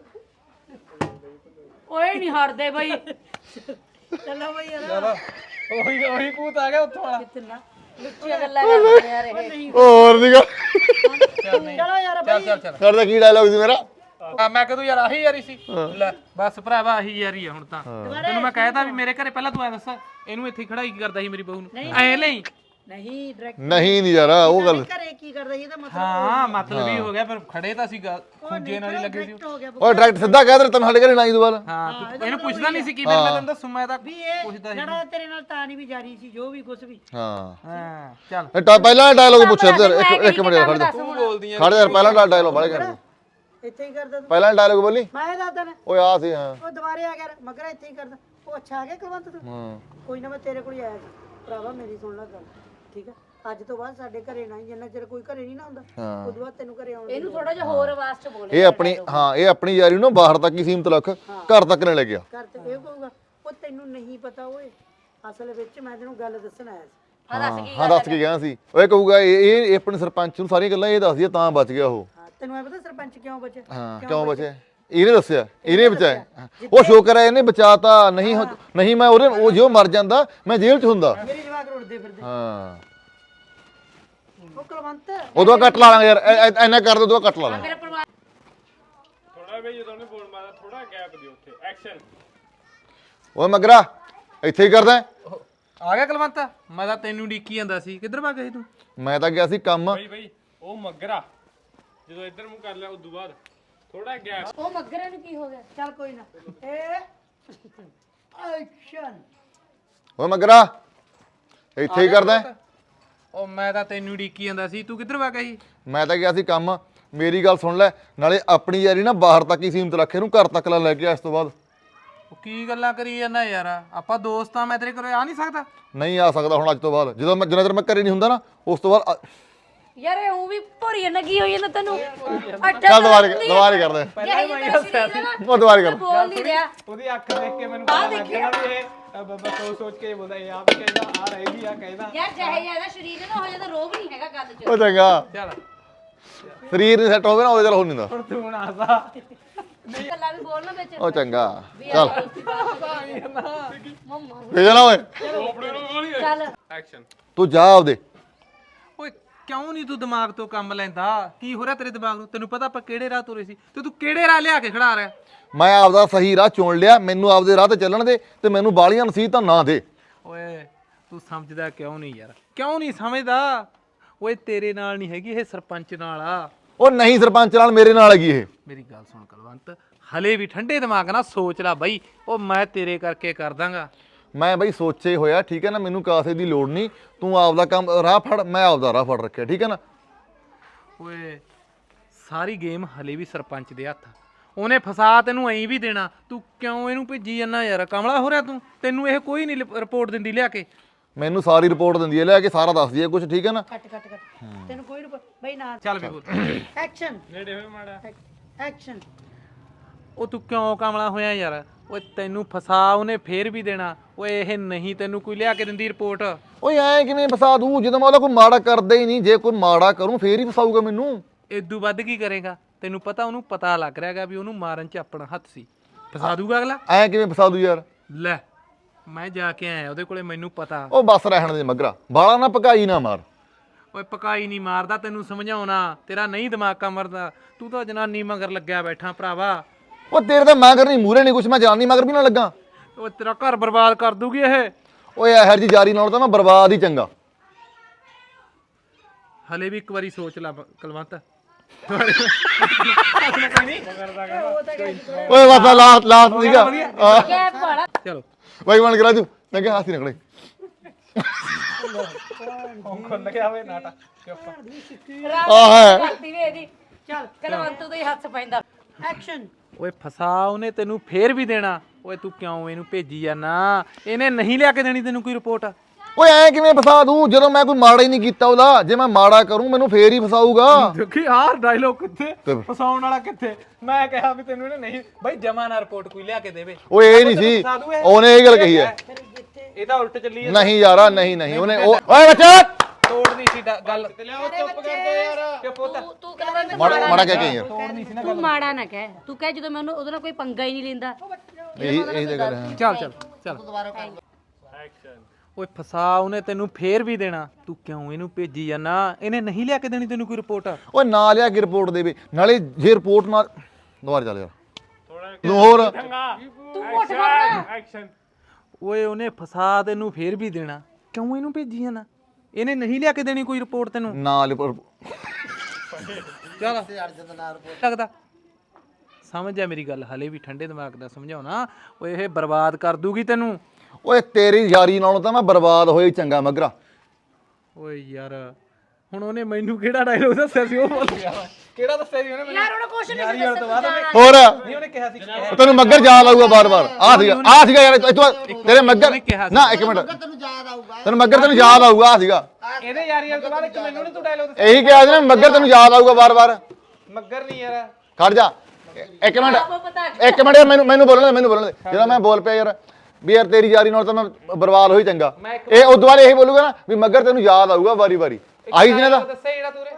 [SPEAKER 5] ਓਏ ਨਹੀਂ ਹਟਦੇ ਬਈ
[SPEAKER 1] ਚੱਲੋ ਬਈ ਯਾਰ
[SPEAKER 6] ਚਲੋ ਉਹੀ ਭੂਤ ਆ ਗਿਆ ਉੱਥੋਂ ਵਾਲਾ
[SPEAKER 5] ਲੁੱਚੀਆਂ ਗੱਲਾਂ ਕਰਦੇ ਯਾਰ ਇਹ
[SPEAKER 7] ਹੋਰ ਦੀ ਗੱਲ
[SPEAKER 6] ਚੱਲ ਨਹੀਂ
[SPEAKER 1] ਚਲੋ ਯਾਰ
[SPEAKER 6] ਚੱਲ
[SPEAKER 7] ਕਰਦਾ ਕੀ ਡਾਇਲੌਗ ਸੀ ਮੇਰਾ
[SPEAKER 6] ਮੈਂ ਕਦੋਂ ਯਾਰ ਆਹੀ ਯਾਰੀ ਸੀ ਲੈ ਬਸ ਭਰਾਵਾ ਆਹੀ ਯਾਰੀ ਆ ਹੁਣ ਤਾਂ ਤੈਨੂੰ ਮੈਂ ਕਹਿਤਾ ਵੀ ਮੇਰੇ ਘਰੇ ਪਹਿਲਾਂ ਤੂੰ ਐ ਦੱਸ ਇਹਨੂੰ ਇੱਥੇ ਖੜਾਈ ਕੀ ਕਰਦਾ ਸੀ ਮੇਰੀ ਬਹੂ ਨੂੰ ਐ ਲਈ
[SPEAKER 1] ਨਹੀਂ ਡਾਇਰੈਕਟ
[SPEAKER 7] ਨਹੀਂ ਯਾਰ ਉਹ ਗੱਲ
[SPEAKER 1] ਘਰੇ ਕੀ ਕਰਦਾ ਸੀ ਇਹਦਾ ਮਤਲਬ
[SPEAKER 6] ਹਾਂ ਮਤਲਬ ਹੀ ਹੋ ਗਿਆ ਪਰ ਖੜੇ ਤਾਂ ਸੀ ਖੁੰਝੇ ਨਾਲ ਹੀ ਲੱਗੇ ਸੀ
[SPEAKER 1] ਹੋ ਗਿਆ
[SPEAKER 7] ਉਹ ਡਾਇਰੈਕਟ ਸਿੱਧਾ ਕਹਿ ਦੇ ਤੈਨੂੰ ਸਾਡੇ ਘਰੇ ਨਾ ਹੀ ਦੁਬਾਰਾ
[SPEAKER 6] ਹਾਂ ਤੂੰ ਇਹਨੂੰ ਪੁੱਛਦਾ ਨਹੀਂ ਸੀ ਕੀ ਫਿਰ ਮੈਂ ਤੈਨੂੰ ਦੱਸੂ ਮੈਂ ਤਾਂ
[SPEAKER 1] ਵੀ ਇਹ
[SPEAKER 6] ਪੁੱਛਦਾ ਸੀ
[SPEAKER 1] ਲੜਾ ਤੇਰੇ ਨਾਲ ਤਾਂ ਨਹੀਂ ਵੀ ਜਾਰੀ ਸੀ ਜੋ ਵੀ ਕੁਝ ਵੀ
[SPEAKER 7] ਹਾਂ
[SPEAKER 6] ਹਾਂ ਚੱਲ
[SPEAKER 7] ਪਹਿਲਾਂ ਡਾਇਲੌਗ ਪੁੱਛਿਆ ਇੱਕ ਮਿੰਟ ਯਾਰ ਖੜ ਜਾ
[SPEAKER 6] ਤੂੰ ਬੋਲਦੀ ਆ
[SPEAKER 7] ਖੜ ਜਾ ਪਹਿਲਾਂ ਡਾਇਲੌਗ ਬਾਲੇ ਕਰ
[SPEAKER 1] ਇੱਥੇ ਹੀ ਕਰਦਾ ਤੂੰ
[SPEAKER 7] ਪਹਿਲਾਂ ਡਾਇਲੌਗ ਬੋਲੀ
[SPEAKER 1] ਮੈਂ ਇਹ ਦੱਸਦਾ ਨਾ
[SPEAKER 7] ਓਏ ਆ ਸੀ ਹਾਂ
[SPEAKER 1] ਉਹ ਦੁਬਾਰੇ ਆ ਗਿਆ ਮਗਰ ਇੱਥੇ ਹੀ ਕਰਦਾ ਉਹ ਅੱਛਾ ਆ ਗਿਆ ਕੁਲਵੰਤ ਤੂੰ
[SPEAKER 7] ਹਾਂ
[SPEAKER 1] ਕੋਈ ਨਾ ਮੈਂ ਤੇਰੇ ਕੋਲ ਹੀ ਆਇਆ ਸੀ ਭਰਾਵਾ ਮੇਰੀ ਸੁਣ ਲੈ ਗੱਲ ਠੀਕ ਆ ਅੱਜ ਤੋਂ ਬਾਅਦ ਸਾਡੇ ਘਰੇ ਨਾ ਜਿੰਨਾ ਚਿਰ ਕੋਈ ਘਰੇ ਨਹੀਂ ਨਾ ਹੁੰਦਾ
[SPEAKER 7] ਹਾਂ।
[SPEAKER 1] ਉਦੋਂ ਬਾਅਦ ਤੈਨੂੰ ਘਰੇ ਆਉਣ
[SPEAKER 5] ਇਹਨੂੰ ਥੋੜਾ ਜਿਹਾ ਹੋਰ ਆਵਾਜ਼ ਚ ਬੋਲੇ
[SPEAKER 7] ਇਹ ਆਪਣੀ ਯਾਰੀ ਨੂੰ ਬਾਹਰ ਤੱਕ ਹੀ ਸੀਮਤ ਰੱਖ ਘਰ ਤੱਕ ਨਾ ਲੈ ਗਿਆ
[SPEAKER 1] ਘਰ ਤੇ ਇਹ ਕਹੂਗਾ ਉਹ ਤੈਨੂੰ ਨਹੀਂ ਪਤਾ ਓਏ ਅਸਲ ਵਿੱਚ ਮੈਂ ਤੈਨੂੰ ਗੱਲ ਦੱਸਣ ਆਇਆ ਸੀ
[SPEAKER 7] ਹਾਂ ਦੱਸ ਕੇ ਗਿਆ ਸੀ ਓਏ ਕਹੂਗਾ ਇਹ ਆਪਣੇ ਸਰਪੰਚ ਨੂੰ ਸਾਰੀਆਂ ਗੱਲਾਂ ਇਹ ਦੱਸਦੀ ਤਾਂ ਬਚ ਗਿਆ ਉਹ
[SPEAKER 1] ਹਾਂ ਤੈਨੂੰ ਐ ਪਤਾ ਸਰਪੰਚ ਕਿਉਂ ਬਚਿਆ
[SPEAKER 7] ਹਾਂ ਕਿਉਂ ਬਚਿਆ ਇਹਨੇ ਦੱਸਿਆ ਇਹਨੇ ਬਚਾਇਆ ਉਹ ਸ਼ੁਕਰ ਹੈ ਇਹਨੇ ਬਚਾਤਾ ਨਹੀਂ ਮੈਂ ਉਹ ਜੋ ਮਰ ਜਾਂਦਾ ਮੈਂ ਜੇਲ੍ਹ 'ਚ ਹੁੰਦਾ
[SPEAKER 1] ਮੇਰੇ ਜਵਾਕ ਰੁੱਟਦੇ ਫਿਰਦੇ
[SPEAKER 7] ਹਾਂ
[SPEAKER 1] ਉਹ ਕੁਲਵੰਤ
[SPEAKER 7] ਉਦੋਂ ਕੱਟ ਲਾ ਲਾਂਗੇ ਯਾਰ ਐਨਾ ਕਰ ਦੋ ਉਦੋਂ ਕੱਟ ਲਾ ਲਾਂਗੇ
[SPEAKER 2] ਥੋੜਾ ਬਈ ਜਦੋਂ ਉਹਨੇ ਬੋਲ ਮਾਰਿਆ ਥੋੜਾ ਗੈਪ ਦਿਓ ਉੱਥੇ ਐਕਸ਼ਨ
[SPEAKER 7] ਓਏ ਮਗਰਾ ਇੱਥੇ ਹੀ ਕਰਦਾ
[SPEAKER 6] ਆ ਗਿਆ ਕਲਵੰਤ ਮੈਂ ਤਾਂ ਤੈਨੂੰ ਡੀਕੀ ਜਾਂਦਾ ਸੀ ਕਿੱਧਰ ਭੱਗ ਗਈ ਤੂੰ
[SPEAKER 7] ਮੈਂ ਤਾਂ ਗਿਆ ਸੀ ਕੰਮ
[SPEAKER 2] ਬਈ ਉਹ ਮੱਗਰਾ ਜਦੋਂ ਇੱਧਰ ਮੂੰਹ ਕਰ ਲਿਆ ਉਦੋਂ ਬਾਅਦ ਥੋੜਾ ਗੈਪ
[SPEAKER 5] ਉਹ ਮੱਗਰੇ ਨੂੰ ਕੀ ਹੋ ਗਿਆ
[SPEAKER 1] ਚੱਲ ਕੋਈ ਨਾ ਏ ਐਕਸ਼ਨ
[SPEAKER 7] ਓਏ ਮਗਰਾ ਇੱਥੇ ਹੀ ਕਰਦਾ
[SPEAKER 6] ਉਹ ਮੈਂ ਤਾਂ ਤੈਨੂੰ ਡੀਕੀ ਜਾਂਦਾ ਸੀ ਤੂੰ ਕਿੱਧਰ ਭੱਗ ਗਈ
[SPEAKER 7] ਮੈਂ ਤਾਂ ਗਿਆ ਸੀ ਕੰਮ ਮੇਰੀ ਗੱਲ ਸੁਣ ਲੈ ਨਾਲੇ ਆਪਣੀ ਯਾਰੀ ਨਾ ਬਾਹਰ ਤੱਕ ਹੀ ਸੀਮਤ ਰੱਖ ਇਹਨੂੰ ਘਰ ਤੱਕ ਲੈ ਕੇ ਆ ਇਸ ਤੋਂ ਬਾਅਦ
[SPEAKER 6] ਉਹ ਕੀ ਗੱਲਾਂ ਕਰੀ ਜਾਂਦਾ ਯਾਰ ਆਪਾਂ ਦੋਸਤ ਆ ਮੈਂ ਤੇਰੇ ਕੋਲ ਆ ਨਹੀਂ ਸਕਦਾ
[SPEAKER 7] ਨਹੀਂ ਆ ਸਕਦਾ ਹੁਣ ਅੱਜ ਤੋਂ ਬਾਅਦ ਜਦੋਂ ਮੈਂ ਜਿੰਨਾ ਚਿਰ ਮੈਂ ਘਰੇ ਨਹੀਂ ਹੁੰਦਾ ਨਾ ਉਸ ਤੋਂ ਬਾਅਦ
[SPEAKER 5] ਯਾਰ ਇਹ ਉਹ ਵੀ ਭੋਰੀ ਲੱਗੀ ਹੋਈ ਹੈ ਤੈਨੂੰ
[SPEAKER 7] ਚੱਲ ਦੁਬਾਰੇ ਕਰਦੇ ਉਹ ਦੁਬਾਰੇ ਕਰ
[SPEAKER 5] ਬੋਲ ਨਹੀਂ ਰਿਹਾ
[SPEAKER 2] ਉਹਦੀ ਅੱਖ ਦੇਖ ਕੇ ਮੈਨੂੰ ਪਤਾ ਲੱਗ ਗਿਆ ਵੀ ਇਹ ਬਾਬਾ ਸੋਚ ਕੇ ਬੋਲਦਾ ਇਹ ਆਪ ਕਹਿੰਦਾ ਆ ਰਹੇਗੀ ਆ ਕਹਿੰਦਾ
[SPEAKER 5] ਯਾਰ ਜਿਹੇ ਜਿਆਦਾ ਸਰੀਰ ਨਾ ਹੋ ਜਾਂਦਾ ਰੋਗ ਨਹੀਂ ਹੈਗਾ ਗੱਲ 'ਚ
[SPEAKER 7] ਉਹ ਚੰਗਾ
[SPEAKER 6] ਚੱਲ
[SPEAKER 7] ਸਰੀਰ ਨਹੀਂ ਸੈੱਟ ਹੋਵੇ ਨਾ ਉਹਦੇ ਚੱਲ ਹੋ ਨਹੀਂ ਹੁੰਦਾ
[SPEAKER 2] ਹੁਣ ਤੂੰ ਨਾ ਹਸਾ
[SPEAKER 5] ਗੱਲਾਂ ਵੀ ਬੋਲਣਾ ਵਿੱਚ
[SPEAKER 7] ਉਹ ਚੰਗਾ ਚੱਲ
[SPEAKER 5] ਮੰਮਾ
[SPEAKER 7] ਭੇਜ ਨਾ ਓਏ
[SPEAKER 5] ਚੱਲ
[SPEAKER 2] ਐਕਸ਼ਨ
[SPEAKER 7] ਤੂੰ ਜਾ ਆਪਦੇ
[SPEAKER 6] ਓਏ ਕਿਉਂ ਨਹੀਂ ਤੂੰ ਦਿਮਾਗ ਤੋਂ ਕੰਮ ਲੈਂਦਾ ਕੀ ਹੋ ਰਿਹਾ ਤੇਰੇ ਦਿਮਾਗ ਨੂੰ ਤੈਨੂੰ ਪਤਾ ਆਪਾਂ ਕਿਹੜੇ ਰਾਹ ਤੁਰੇ ਸੀ ਤੇ ਤੂੰ ਕਿਹੜੇ ਰਾਹ ਲਿਆ ਕੇ ਖੜਾ ਰਿਹਾ
[SPEAKER 7] ਮੈਂ ਆਪਦਾ ਸਹੀ ਰਾਹ ਚੁਣ ਲਿਆ ਮੈਨੂੰ ਆਪਦੇ ਰਾਹ ਤੇ ਚੱਲਣ ਦੇ ਤੇ ਮੈਨੂੰ ਬਾਲੀਆਂ ਨਸੀਹਤਾਂ ਨਾ ਦੇ
[SPEAKER 6] ਓਏ ਤੂੰ ਸਮਝਦਾ ਕਿਉਂ ਨਹੀਂ ਯਾਰ ਕਿਉਂ ਨਹੀਂ ਸਮਝਦਾ ਓਏ ਤੇਰੇ ਨਾਲ ਨਹੀਂ ਹੈਗੀ ਇਹ ਸਰਪੰਚ ਨਾਲ ਆ
[SPEAKER 7] ਉਹ ਨਹੀਂ ਸਰਪੰਚ ਨਾਲ ਮੇਰੇ ਨਾਲ ਹੈਗੀ ਇਹ
[SPEAKER 6] ਮੇਰੀ ਗੱਲ ਸੁਣ ਕਲਵੰਤ ਹਲੇ ਵੀ ਠੰਡੇ ਦਿਮਾਗ ਨਾਲ ਸੋਚ ਲੈ ਬਈ ਉਹ ਮੈਂ ਤੇਰੇ ਕਰਕੇ ਕਰ ਦਾਂਗਾ
[SPEAKER 7] ਮੈਂ ਬਈ ਸੋਚੇ ਹੋਇਆ ਠੀਕ ਹੈ ਨਾ ਮੈਨੂੰ ਕਾਸੇ ਦੀ ਲੋੜ ਨਹੀਂ ਤੂੰ ਆਪਦਾ ਕੰਮ ਰਾਹ ਫੜ ਮੈਂ ਆਪਦਾ ਰਾਹ ਫੜ ਰੱਖਿਆ ਠੀਕ ਹੈ ਨਾ
[SPEAKER 6] ਓਏ ਸਾਰੀ ਗੇਮ ਹਲੇ ਵੀ ਸਰਪੰਚ ਦੇ ਹੱਥ ਉਹਨੇ ਫਸਾ ਤੈਨੂੰ ਐਂ ਵੀ ਦੇਣਾ ਤੂੰ ਕਿਉਂ ਇਹਨੂੰ ਭੇਜੀ ਜਾਂਦਾ ਯਾਰ ਕਮਲਾ ਹੋ ਰਿਹਾ ਤੂੰ ਤੈਨੂੰ ਇਹ ਕੋਈ ਨਹੀਂ ਰਿਪੋਰਟ ਦਿੰਦੀ ਲਿਆ ਕੇ
[SPEAKER 7] ਮੈਨੂੰ ਸਾਰੀ ਰਿਪੋਰਟ ਦਿੰਦੀ ਹੈ ਲੈ ਕੇ ਸਾਰਾ ਦੱਸਦੀ ਹੈ ਕੁਝ ਠੀਕ ਹੈ ਨਾ
[SPEAKER 1] ਕੱਟ ਤੈਨੂੰ ਕੋਈ ਬਈ ਨਾ
[SPEAKER 6] ਚੱਲ ਵੀ ਬੋਲ
[SPEAKER 1] ਐਕਸ਼ਨ
[SPEAKER 2] ਨੇੜੇ ਹੋਏ ਮਾੜਾ
[SPEAKER 1] ਐਕਸ਼ਨ
[SPEAKER 6] ਉਹ ਤੂੰ ਕਿਉਂ ਕਮਲਾ ਹੋਇਆ ਯਾਰ ਓਏ ਤੈਨੂੰ ਫਸਾ ਉਹਨੇ ਫੇਰ ਵੀ ਦੇਣਾ ਓਏ ਇਹ ਨਹੀਂ ਤੈਨੂੰ ਕੋਈ ਲਿਆ ਕੇ ਦਿੰਦੀ ਰਿਪੋਰਟ
[SPEAKER 7] ਓਏ ਐ ਕਿਵੇਂ ਫਸਾ ਦੂੰ ਜਦੋਂ ਮੈਂ ਉਹਦਾ ਕੋਈ ਮਾੜਾ ਕਰਦਾ ਹੀ ਨਹੀਂ ਜੇ ਕੋਈ ਮਾੜਾ ਕਰੂੰ ਫੇਰ ਹੀ ਫਸਾਊਗਾ ਮੈਨੂੰ
[SPEAKER 6] ਇਦੋਂ ਵੱਧ ਕੀ ਕਰੇਗਾ ਤੈਨੂੰ ਪਤਾ ਉਹਨੂੰ ਪਤਾ ਲੱਗ ਰਿਹਾਗਾ ਵੀ ਉਹਨੂੰ ਮਾਰਨ 'ਚ ਆਪਣਾ ਹੱਥ ਸੀ ਫਸਾ ਦੂਗਾ ਅਗਲਾ
[SPEAKER 7] ਐ ਕਿਵੇਂ ਫਸਾ ਦੂ ਯਾਰ
[SPEAKER 6] ਲੈ ਮੈਂ ਜਾ ਕੇ ਆਇਆ ਉਹਦੇ ਕੋਲੇ ਮੈਨੂੰ ਪਤਾ
[SPEAKER 7] ਉਹ ਬਸ ਰਹਿਣ ਦੇ ਮਗਰਾ ਬਾਲਾ ਨਾ ਪਕਾਈ ਨਾ ਮਾਰ
[SPEAKER 6] ਓਏ ਪਕਾਈ ਨਹੀਂ ਮਾਰਦਾ ਤੈਨੂੰ ਸਮਝਾਉਣਾ ਤੇਰਾ ਨਹੀਂ ਦਿਮਾਗ ਕੰਮ ਕਰਦਾ ਤੂੰ ਤਾਂ ਜਨਾਨੀ ਮਗਰ ਲੱਗਿਆ ਬੈਠਾ ਭਰਾਵਾ
[SPEAKER 7] ਉਹ ਤੇਰੇ ਤਾਂ ਮਗਰ ਨਹੀਂ ਮੂਰੇ ਨਹੀਂ ਕੁਛ ਮੈਂ ਜਨਾਨੀ ਮਗਰ ਵੀ ਨਾ ਲੱਗਾ
[SPEAKER 6] ਓਏ ਤੇਰਾ ਘਰ ਬਰਬਾਦ ਕਰ ਦੂਗੀ ਇਹ
[SPEAKER 7] ਓਏ ਇਹੋ ਜੀ ਜਾਰੀ ਨਾਲ ਤਾਂ ਮੈਂ ਬਰਬਾਦ ਹੀ ਚੰਗਾ
[SPEAKER 6] ਹਲੇ ਵੀ ਇੱਕ ਵਾਰੀ ਸੋਚ ਲੈ ਕਲਵੰਤ
[SPEAKER 7] ਓਏ ਬਸ ਲਾਸਟ ਸੀਗਾ
[SPEAKER 5] ਕੈਪ ਵਾਲਾ
[SPEAKER 6] ਚਲੋ
[SPEAKER 7] ਬਾਈ ਬਣ ਕੇ ਰਾਜੂ ਲੱਗੇ ਹਾਸੀ ਨਿਕਲੇ
[SPEAKER 2] ਖੁੱਲ ਗਿਆ ਹੋਵੇ ਨਾਟਾ
[SPEAKER 7] ਆਹ
[SPEAKER 5] ਕਰਤੀ ਵੇ ਇਹਦੀ ਚੱਲ ਕਲਵੰਤ ਤੋਂ ਹੀ ਹੱਥ ਪੈਂਦਾ
[SPEAKER 1] ਐਕਸ਼ਨ
[SPEAKER 6] ਓਏ ਫਸਾ ਉਹਨੇ ਤੈਨੂੰ ਫੇਰ ਵੀ ਦੇਣਾ ਓਏ ਤੂੰ ਕਿਉਂ ਇਹਨੂੰ ਭੇਜੀ ਜਾਨਾ ਇਹਨੇ ਨਹੀਂ ਲਿਆ ਕੇ ਦੇਣੀ ਤੈਨੂੰ ਕੋਈ ਰਿਪੋਰਟ
[SPEAKER 7] ਓਏ ਐ ਕਿਵੇਂ ਫਸਾ ਦੂੰ ਜਦੋਂ ਮੈਂ ਕੋਈ ਮਾੜਾ ਹੀ ਨਹੀਂ ਕੀਤਾ ਉਹਦਾ ਜੇ ਮੈਂ ਮਾੜਾ ਕਰੂੰ ਮੈਨੂੰ ਫੇਰ ਹੀ ਫਸਾਊਗਾ
[SPEAKER 2] ਦੇਖੀ ਆਹ ਡਾਇਲੋਗ ਕਿੱਥੇ ਫਸਾਉਣ ਵਾਲਾ ਕਿੱਥੇ ਮੈਂ ਕਿਹਾ ਵੀ ਤੈਨੂੰ ਇਹਨੇ ਨਹੀਂ
[SPEAKER 6] ਬਈ ਜਮਾ ਨਾ ਰਿਪੋਰਟ ਕੋਈ ਲਿਆ ਕੇ ਦੇਵੇ
[SPEAKER 7] ਓਏ ਇਹ ਨਹੀਂ ਸੀ ਉਹਨੇ ਇਹ ਗੱਲ ਕਹੀ ਹੈ
[SPEAKER 2] ਇਹ ਤਾਂ ਉਲਟ ਚੱਲੀ
[SPEAKER 7] ਨਹੀਂ ਯਾਰਾ ਨਹੀਂ ਉਹਨੇ ਓਏ ਬੱਚਾ
[SPEAKER 6] ਤੋੜਨੀ ਸੀ ਗੱਲ ਤੇ ਲਿਆਓ ਚੁੱਪ ਕਰਦੇ ਯਾਰ ਚੁੱਪ ਹੁੰਦਾ
[SPEAKER 5] ਤੂੰ ਕਲਵੰਤ
[SPEAKER 7] ਮਾੜਾ ਕਹਿ ਕੇ ਯਾਰ
[SPEAKER 6] ਤੋੜਨੀ ਸੀ ਨਾ
[SPEAKER 5] ਤੂੰ ਮਾੜਾ ਨਾ ਕਹਿ, ਤੂੰ ਕਹਿ ਜਦੋਂ ਮੈਂ ਉਹਦੇ ਨਾਲ ਕੋਈ ਪੰਗਾ ਹੀ ਨਹੀਂ ਲੈਂਦਾ।
[SPEAKER 7] ਇਹੀ ਤਾਂ ਗੱਲ ਹੈ।
[SPEAKER 6] ਚੱਲ ਓਏ ਫਸਾ ਉਹਨੇ ਤੈਨੂੰ ਫੇਰ ਵੀ ਦੇਣਾ, ਤੂੰ ਕਿਉਂ ਇਹਨੂੰ ਭੇਜੀ ਜਾਨਾ? ਇਹਨੇ ਨਹੀਂ ਲਿਆ ਕੇ ਦੇਣੀ ਤੈਨੂੰ ਕੋਈ ਰਿਪੋਰਟ?
[SPEAKER 7] ਓਏ ਨਾ ਲਿਆ ਕੇ ਰਿਪੋਰਟ ਦੇਵੇ, ਨਾਲੇ ਜੇ ਰਿਪੋਰਟ ਨਾਲ ਦੁਬਾਰਾ ਚੱਲ ਯਾਰ ਤੂੰ ਹੋਰ
[SPEAKER 6] ਓਏ ਉਹਨੇ ਫਸਾ ਤੈਨੂੰ ਫੇਰ ਵੀ ਦੇਣਾ, ਕਿਉਂ ਇਹਨੂੰ ਭੇਜੀ ਜਾਨਾ? ਇਹਨੇ ਨਹੀਂ ਲਿਆ ਕੇ ਦੇਣੀ ਕੋਈ ਰਿਪੋਰਟ ਤੈਨੂੰ?
[SPEAKER 7] ਨਾਲ ਰਿਪੋਰਟ
[SPEAKER 6] ਚੱਲ ਲੱਗਦਾ ਸਮਝ ਜਾ ਮੇਰੀ ਗੱਲ, ਹਲੇ ਵੀ ਠੰਡੇ ਦਿਮਾਗ ਦਾ ਸਮਝਾਉਣਾ। ਓਏ ਇਹ ਬਰਬਾਦ ਕਰ ਦੂਗੀ ਤੈਨੂੰ।
[SPEAKER 7] ਓਏ ਤੇਰੀ ਯਾਰੀ ਨਾਲੋਂ ਤਾਂ ਮੈਂ ਬਰਬਾਦ ਹੋਇਆ ਹੀ ਚੰਗਾ ਮਗਰਾ।
[SPEAKER 6] ਓਏ ਯਾਰ ਹੁਣ ਉਹਨੇ ਮੈਨੂੰ ਕਿਹੜਾ ਡਾਇਲੋਗ ਦੱਸਿਆ ਸੀ ਉਹ ਭੁੱਲ ਗਿਆ ਮੈਂ। ਕਿਹੜਾ ਦੱਸਿਆ ਸੀ ਉਹਨੇ ਮੈਨੂੰ?
[SPEAKER 5] ਯਾਰ ਉਹਨੇ ਕੁਛ ਨਹੀਂ
[SPEAKER 6] ਯਾਰ ਤੋਂ ਬਾਅਦ
[SPEAKER 7] ਹੋਰ
[SPEAKER 6] ਨਹੀਂ ਉਹਨੇ ਕਿਹਾ ਸੀ
[SPEAKER 7] ਤੈਨੂੰ ਮੱਗਰ ਯਾਦ ਆਊਗਾ ਬਾਰ-ਬਾਰ। ਆ ਸੀਗਾ ਯਾਰ ਤੇਰੇ ਮੱਗਰ ਨਾ ਇੱਕ ਮਿੰਟ ਤੈਨੂੰ ਮੱਗਰ ਤੈਨੂੰ ਯਾਦ ਆਊਗਾ। ਆ ਸੀਗਾ
[SPEAKER 6] ਇਹਦੇ ਯਾਰੀਆਂ ਤੋਂ ਬਾਅਦ ਇੱਕ ਮੈਨੂੰ ਨਹੀਂ ਤੂੰ ਡਾਇਲੋਗ ਦੱਸਿਆ?
[SPEAKER 7] ਇਹੀ ਕਿਹਾ ਸੀ ਨਾ ਮੱਗਰ ਤੈਨੂੰ ਯਾਦ ਆਊਗਾ ਬਾਰ-ਬਾਰ।
[SPEAKER 6] ਮੱਗਰ ਨਹੀਂ ਯਾਰ
[SPEAKER 7] ਖੜ ਜਾ ਇੱਕ ਮਿੰਟ ਮੈਨੂੰ ਬੋਲਣ ਦੇ ਜਦੋਂ ਮੈਂ ਬੋਲ ਪਿਆ ਯਾਰ ਵੀ ਯਾਰ ਤੇਰੀ ਯਾਰੀ ਨਾਲ ਤਾਂ ਮੈਂ ਬਰਬਾਦ ਹੋਈ ਚੰਗਾ। ਇਹ ਉਦੋਂ ਬਾਅਦ ਇਹੀ ਬੋਲੂਗਾ ਨਾ ਵੀ ਮੱਗਰ ਤੈਨੂੰ ਯਾਦ ਆਊਗਾ ਵਾਰੀ-ਵਾਰੀ। ਆਹੀ ਜਿਹਨੇ ਦਾ
[SPEAKER 6] ਦੱਸਿਆ ਜਿਹੜਾ ਤੂੰ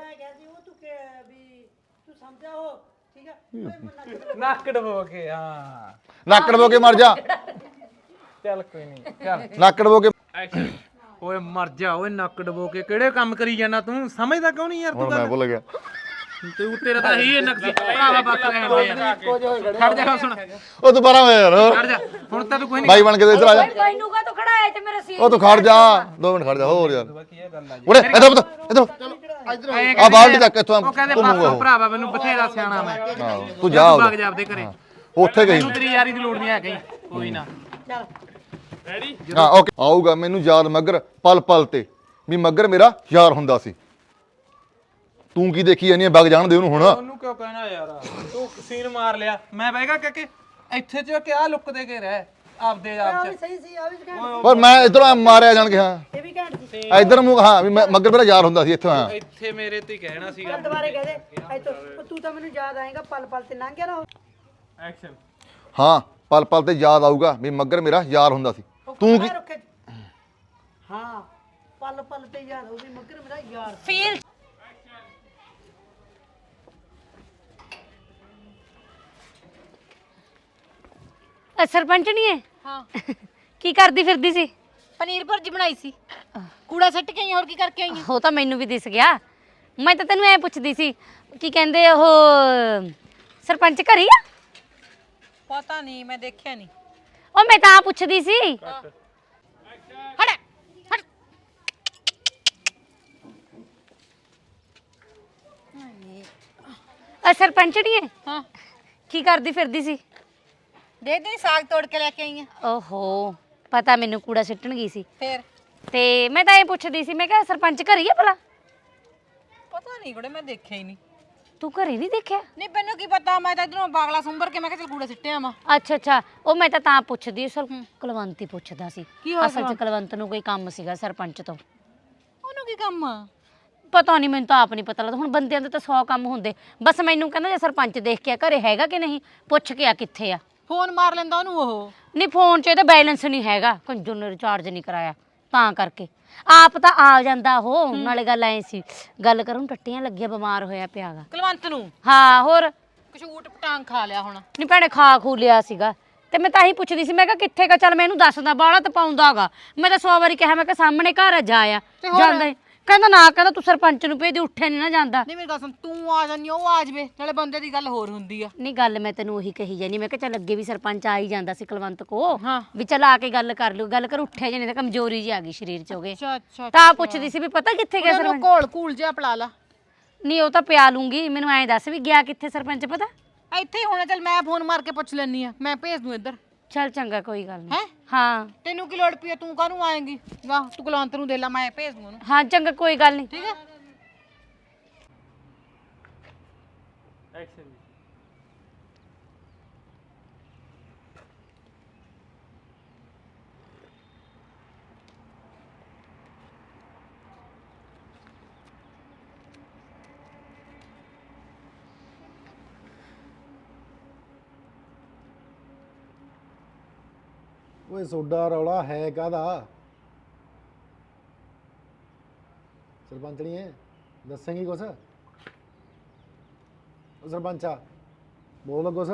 [SPEAKER 6] ਨੱਕ ਡਬੋ ਕੇ। ਹਾਂ
[SPEAKER 7] ਨੱਕ ਡਬੋ ਕੇ ਮਰ ਜਾ।
[SPEAKER 6] ਚੱਲ ਕੋਈ ਨਹੀਂ ਚੱਲ
[SPEAKER 7] ਨੱਕ ਡਬੋ ਕੇ
[SPEAKER 6] ਓਏ ਮਰ ਜਾ ਓਏ। ਨੱਕ ਡਬੋ ਕੇ ਕਿਹੜੇ ਕੰਮ ਕਰੀ ਜਾਣਾ ਤੂੰ? ਸਮਝਦਾ ਕਿਉਂ ਨਹੀਂ ਯਾਰ ਤੂੰ
[SPEAKER 7] ਹੁਣ ਮੈਂ ਭੁੱਲ ਗਿਆ।
[SPEAKER 6] ਤੂੰ ਤੇਰਾ ਤਾਂ ਇਹੀ ਨਕਸੀ ਭਰਾਵਾ ਬੱਤ ਰਹਿਣ ਦੇ ਯਾਰ। ਖੜ ਜਾ ਸੁਣ
[SPEAKER 7] ਉਹ ਦੁਬਾਰਾ ਹੋਇਆ ਯਾਰ।
[SPEAKER 6] ਖੜ ਜਾ ਹੁਣ ਤਾਂ ਤੂੰ ਕੋਈ ਨਹੀਂ
[SPEAKER 7] ਬਾਈ ਬਣ ਕੇ ਇੱਧਰ ਆ ਜਾ।
[SPEAKER 5] ਮੈਨੂੰ ਕਾ ਤੂੰ ਖੜਾ ਹੈ ਤੇ ਮੇਰੇ ਸੀ
[SPEAKER 7] ਉਹ ਤੂੰ ਖੜ ਜਾ 2 ਮਿੰਟ ਖੜ ਜਾ ਹੋਰ ਯਾਰ। ਉਰੇ ਇੱਧਰ ਆ ਬਾਲਟੀ ਤੱਕ ਇੱਥੋਂ
[SPEAKER 6] ਉਹ ਕਹਿੰਦੇ
[SPEAKER 7] ਘੁੰਮੂਗਾ
[SPEAKER 6] ਬਸ ਭਰਾਵਾ ਮੈਨੂੰ ਬਥੇਰਾ ਸਿਆਣਾ ਮੈਂ।
[SPEAKER 7] ਤੂੰ ਜਾ
[SPEAKER 6] ਵਗ ਜਾ ਆਪਦੇ ਘਰੇ।
[SPEAKER 7] ਉੱਥੇ ਗਈ
[SPEAKER 6] ਤੂੰ ਤੇਰੀ ਯਾਰੀ ਦੀ ਲੋੜ ਨਹੀਂ ਹੈ ਕਹੀਂ ਕੋਈ ਨਾ।
[SPEAKER 7] ਹਾਂ ਓਕੇ ਆਊਗਾ ਮੈਨੂੰ ਯਾਦ ਮੱਗਰ ਪਲ ਪਲ ਤੇ ਵੀ ਮੱਗਰ ਮੇਰਾ ਯਾਰ ਹੁੰਦਾ ਸੀ। ਤੂੰ ਕੀ ਦੇਖੀ ਜਾਨੀ ਵਗ ਜਾਣ ਦੇ ਉਹਨੂੰ ਹੁਣ।
[SPEAKER 6] ਉਹਨੂੰ ਕਿਉਂ ਕਹਿਣਾ ਯਾਰ? ਤੂੰ ਸੀਨ ਮਾਰ ਲਿਆ ਮੈਂ ਬਹਿਗਾ ਕਿ ਇੱਥੇ ਚ ਕਿਆ ਲੁੱਕਦੇ ਕੇ ਰਹਿ ਆਪਦੇ ਆਪ ਚ।
[SPEAKER 1] ਸਹੀ ਸੀ ਆ ਵੀ ਘੈਂਟ
[SPEAKER 7] ਪਰ ਮੈਂ ਇਧਰੋਂ ਮਾਰਿਆ ਜਾਣ ਕੇ। ਹਾਂ
[SPEAKER 1] ਇਹ ਵੀ ਘੈਂਟ ਸੀ।
[SPEAKER 7] ਇਧਰ ਮੂੰਹ ਹਾਂ ਵੀ ਮੱਗਰ ਮੇਰਾ ਯਾਰ ਹੁੰਦਾ ਸੀ ਇੱਥੋਂ। ਹਾਂ
[SPEAKER 6] ਇੱਥੇ ਮੇਰੇ ਤੇ ਕਹਿਣਾ ਸੀਗਾ।
[SPEAKER 1] ਦੁਬਾਰੇ ਕਹਿ ਦੇ ਇੱਥੋਂ ਤੂੰ ਤਾਂ ਮੈਨੂੰ ਯਾਦ ਆਏਗਾ ਪਲ ਪਲ ਤੇ ਲੰਘ ਗਿਆ ਨਾ।
[SPEAKER 6] ਐਕਸ਼ਨ।
[SPEAKER 7] ਹਾਂ ਪਲ ਪਲ ਤੇ ਯਾਦ ਆਊਗਾ ਵੀ ਮੱਗਰ ਮੇਰਾ ਯਾਰ ਹੁੰਦਾ ਸੀ। ਤੂੰ ਕੀ
[SPEAKER 1] ਹਾਂ ਪਲ ਪਲ ਤੇ ਯਾਦ ਹੋਊਗੀ ਮੱਗਰ ਮੇਰਾ ਯਾਰ।
[SPEAKER 5] ਫੀਲ ਸਰਪੰਚ ਨਹੀਂ ਹੈ?
[SPEAKER 3] ਹਾਂ
[SPEAKER 5] ਕੀ ਕਰਦੀ ਫਿਰਦੀ ਸੀ?
[SPEAKER 3] ਪਨੀਰ ਭੁਰਜੀ ਬਣਾਈ ਸੀ। ਕੂੜਾ ਸੱਟ ਕੇ ਆਈ ਹੋਰ ਕੀ ਕਰਕੇ ਆਈ
[SPEAKER 5] ਉਹ ਤਾਂ ਮੈਨੂੰ ਵੀ ਦਿਸ ਗਿਆ। ਮੈਂ ਤਾਂ ਤੈਨੂੰ ਐ ਪੁੱਛਦੀ ਸੀ ਕੀ ਕਹਿੰਦੇ ਉਹ ਸਰਪੰਚ ਘਰੀ ਆ?
[SPEAKER 3] ਪਤਾ ਨਹੀਂ ਮੈਂ ਦੇਖਿਆ ਨਹੀਂ।
[SPEAKER 5] ਉਹ ਮੈਂ ਤਾਂ ਪੁੱਛਦੀ ਸੀ।
[SPEAKER 3] ਹਟ ਹਟ
[SPEAKER 5] ਸਰਪੰਚ ਨਹੀਂ ਹੈ?
[SPEAKER 3] ਹਾਂ
[SPEAKER 5] ਕੀ ਕਰਦੀ ਫਿਰਦੀ ਸੀ?
[SPEAKER 3] ਦੇ ਦੇ ਸਾਗ ਤੋੜ ਕੇ ਲੈ ਕੇ ਆਈ ਆ।
[SPEAKER 5] ਓਹੋ ਪਤਾ ਮੈਨੂੰ ਕੂੜਾ ਸਿੱਟਣ ਗਈ ਸੀ।
[SPEAKER 3] ਫੇਰ
[SPEAKER 5] ਤੇ ਮੈਂ ਤਾਂ ਇਹ ਪੁੱਛਦੀ ਸੀ ਮੈਂ ਕਿਹਾ ਸਰਪੰਚ ਘਰੀ ਆ ਭਲਾ?
[SPEAKER 3] ਪਤਾ ਨਹੀਂ ਕੁੜੇ ਮੈਂ ਦੇਖਿਆ ਹੀ ਨਹੀਂ।
[SPEAKER 5] ਤੂੰ ਘਰੇ ਨਹੀਂ ਦੇਖਿਆ?
[SPEAKER 3] ਨਹੀਂ ਮੈਨੂੰ ਕੀ ਪਤਾ, ਮੈਂ ਤਾਂ ਇਧਰੋਂ ਬਾਗਲਾ ਸੁੰਬਰ ਕੇ ਮੈਂ ਕਿਹਾ ਚਲ ਕੂੜਾ ਸਿੱਟਿਆ ਵਾ।
[SPEAKER 5] ਅੱਛਾ ਉਹ ਮੈਂ ਤਾਂ ਪੁੱਛਦੀ ਸਰ ਕੁਲਵੰਤ ਹੀ ਪੁੱਛਦਾ ਸੀ।
[SPEAKER 3] ਕੀ ਹੋਇਆ
[SPEAKER 5] ਅਸਲ 'ਚ ਕੁਲਵੰਤ ਨੂੰ ਕੋਈ ਕੰਮ ਸੀਗਾ ਸਰਪੰਚ ਤੋਂ।
[SPEAKER 3] ਉਹਨੂੰ ਕੀ ਕੰਮ ਆ?
[SPEAKER 5] ਪਤਾ ਨਹੀਂ ਮੈਨੂੰ ਤਾਂ ਆਪ ਨਹੀਂ ਪਤਾ ਲੱਗਦਾ। ਹੁਣ ਬੰਦਿਆਂ ਦੇ ਤਾਂ 100 ਕੰਮ ਹੁੰਦੇ। ਬਸ ਮੈਨੂੰ ਕਹਿੰਦਾ ਜੇ ਸਰਪੰਚ ਦੇਖ ਕੇ ਆ ਘਰੇ ਹੈਗਾ ਕਿ ਨਹੀਂ, ਪੁੱਛ ਕੇ ਆ ਕਿੱਥੇ ਆ।
[SPEAKER 3] ਫੋਨ ਮਾਰ ਲੈਂਦਾ ਉਹਨੂੰ ਉਹ।
[SPEAKER 5] ਨਹੀਂ ਫੋਨ 'ਚ ਇਹਦਾ ਬੈਲੈਂਸ ਨਹੀਂ ਹੈਗਾ, ਕੰਜੂ ਨੇ ਰਿਚਾਰਜ ਨਹੀਂ ਕਰਾਇਆ ਤਾਂ ਕਰਕੇ। ਆਪ ਤਾਂ ਆ ਜਾਂਦਾ ਉਹ। ਨਾਲੇ ਗੱਲ ਐ ਸੀ ਗੱਲ ਕਰੂੰ ਟੱਟੀਆਂ ਲੱਗੀਆਂ ਬਿਮਾਰ ਹੋਇਆ ਪਿਆਗਾ
[SPEAKER 3] ਕੁਲਵੰਤ ਨੂੰ।
[SPEAKER 5] ਹਾਂ ਹੋਰ
[SPEAKER 3] ਕਸ਼ੂਟ ਪਟਾਂਗ ਖਾ ਲਿਆ ਹੁਣ।
[SPEAKER 5] ਨਹੀਂ ਭੈਣੇ ਖਾ ਖੂ ਲਿਆ ਸੀਗਾ ਤੇ ਮੈਂ ਤਾਂ ਹੀ ਪੁੱਛਦੀ ਸੀ ਮੈਂ ਕਿਹਾ ਕਿੱਥੇ ਗਾ? ਚੱਲ ਮੈਂ ਇਹਨੂੰ ਦੱਸਦਾ ਬਾਹਲਾ ਤਾਂ ਪਾਉਂਦਾਗਾ। ਮੈਂ ਤਾਂ 100 ਵਾਰੀ ਕਿਹਾ ਮੈਂ ਕਿਹਾ ਸਾਹਮਣੇ ਘਰ ਆ ਜਾ ਆ ਜਾਂਦਾ ਈ। ਕਹਿੰਦਾ ਨਾ ਕਹਿੰਦਾ ਤੂੰ ਸਰਪੰਚ ਨੂੰ ਭੇਜ ਦੇ, ਉੱਠਿਆ ਨਹੀਂ ਨਾ ਜਾਂਦਾ।
[SPEAKER 3] ਨਹੀਂ ਮੇਰੀ ਗੱਲ ਸੁਣ, ਤੂੰ ਆ ਜਾਨੀ ਉਹ ਆ ਜਾਵੇ, ਨਾਲੇ ਬੰਦੇ ਦੀ ਗੱਲ ਹੋਰ ਹੁੰਦੀ ਆ।
[SPEAKER 5] ਨਹੀਂ ਗੱਲ ਮੈਂ ਤੈਨੂੰ ਉਹੀ ਕਹੀ ਜਾਨੀ ਮੈਂ ਕਿਹਾ ਚੱਲ ਅੱਗੇ ਵੀ ਸਰਪੰਚ ਆ ਹੀ ਜਾਂਦਾ ਸੀ ਕੁਲਵੰਤ ਕੋ
[SPEAKER 3] ਹਾਂ।
[SPEAKER 5] ਵੀ ਚੱਲ ਆ ਕੇ ਗੱਲ ਕਰ ਲਿਓ। ਗੱਲ ਕਰ ਉੱਠਿਆ ਜੇ ਨਹੀਂ ਤਾਂ ਕਮਜ਼ੋਰੀ ਜੀ ਆ ਗਈ ਸਰੀਰ 'ਚ ਹੋ ਗਏ।
[SPEAKER 3] ਅੱਛਾ
[SPEAKER 5] ਤਾਂ ਪੁੱਛਦੀ ਸੀ ਵੀ ਪਤਾ ਕਿੱਥੇ ਗਿਆ
[SPEAKER 3] ਉਹਨੂੰ
[SPEAKER 5] ਸਰਪੰਚ?
[SPEAKER 3] ਘੋਲ ਜਿਹਾ ਪਲਾ ਲਾ।
[SPEAKER 5] ਨਹੀਂ ਉਹ ਤਾਂ ਪਿਆ ਲੂੰਗੀ, ਮੈਨੂੰ ਐਂ ਦੱਸ ਵੀ ਗਿਆ ਕਿੱਥੇ ਸਰਪੰਚ ਪਤਾ?
[SPEAKER 3] ਇੱਥੇ ਹੀ ਹੋਣਾ। ਚੱਲ ਮੈਂ ਫੋਨ ਮਾਰ ਕੇ ਪੁੱਛ ਲੈਣੀ ਆ, ਮੈਂ ਭੇਜ ਦੂੰ ਇੱਧਰ।
[SPEAKER 5] ਚੱਲ ਚੰਗਾ ਕੋਈ ਗੱਲ ਨਹੀਂ।
[SPEAKER 3] ਹੈਂ?
[SPEAKER 5] ਹਾਂ
[SPEAKER 3] ਤੈਨੂੰ ਕੀ ਲੋੜ ਪਈ ਆ? ਤੂੰ ਕਾਹਨੂੰ ਆਏਂਗੀ? ਵਾਹ ਤੂੰ ਕੁਲਵੰਤ ਨੂੰ ਦੇ ਲਾ, ਮੈਂ ਭੇਜ ਦੂੰ ਉਹਨੂੰ।
[SPEAKER 5] ਹਾਂ ਚੰਗਾ ਕੋਈ ਗੱਲ ਨਹੀਂ।
[SPEAKER 3] ਠੀਕ ਹੈ।
[SPEAKER 6] ਐਕਸ਼ਨ।
[SPEAKER 8] ਓਏ ਸੋਡਾ ਰੌਲਾ ਹੈ ਕਾਹਦਾ? ਸਰਪੰਚਣੀ ਹੈ ਦੱਸੇਂਗੀ ਕੁਛ ਉਹ ਸਰਪੰਚਾ ਬੋਲ ਕੁਛ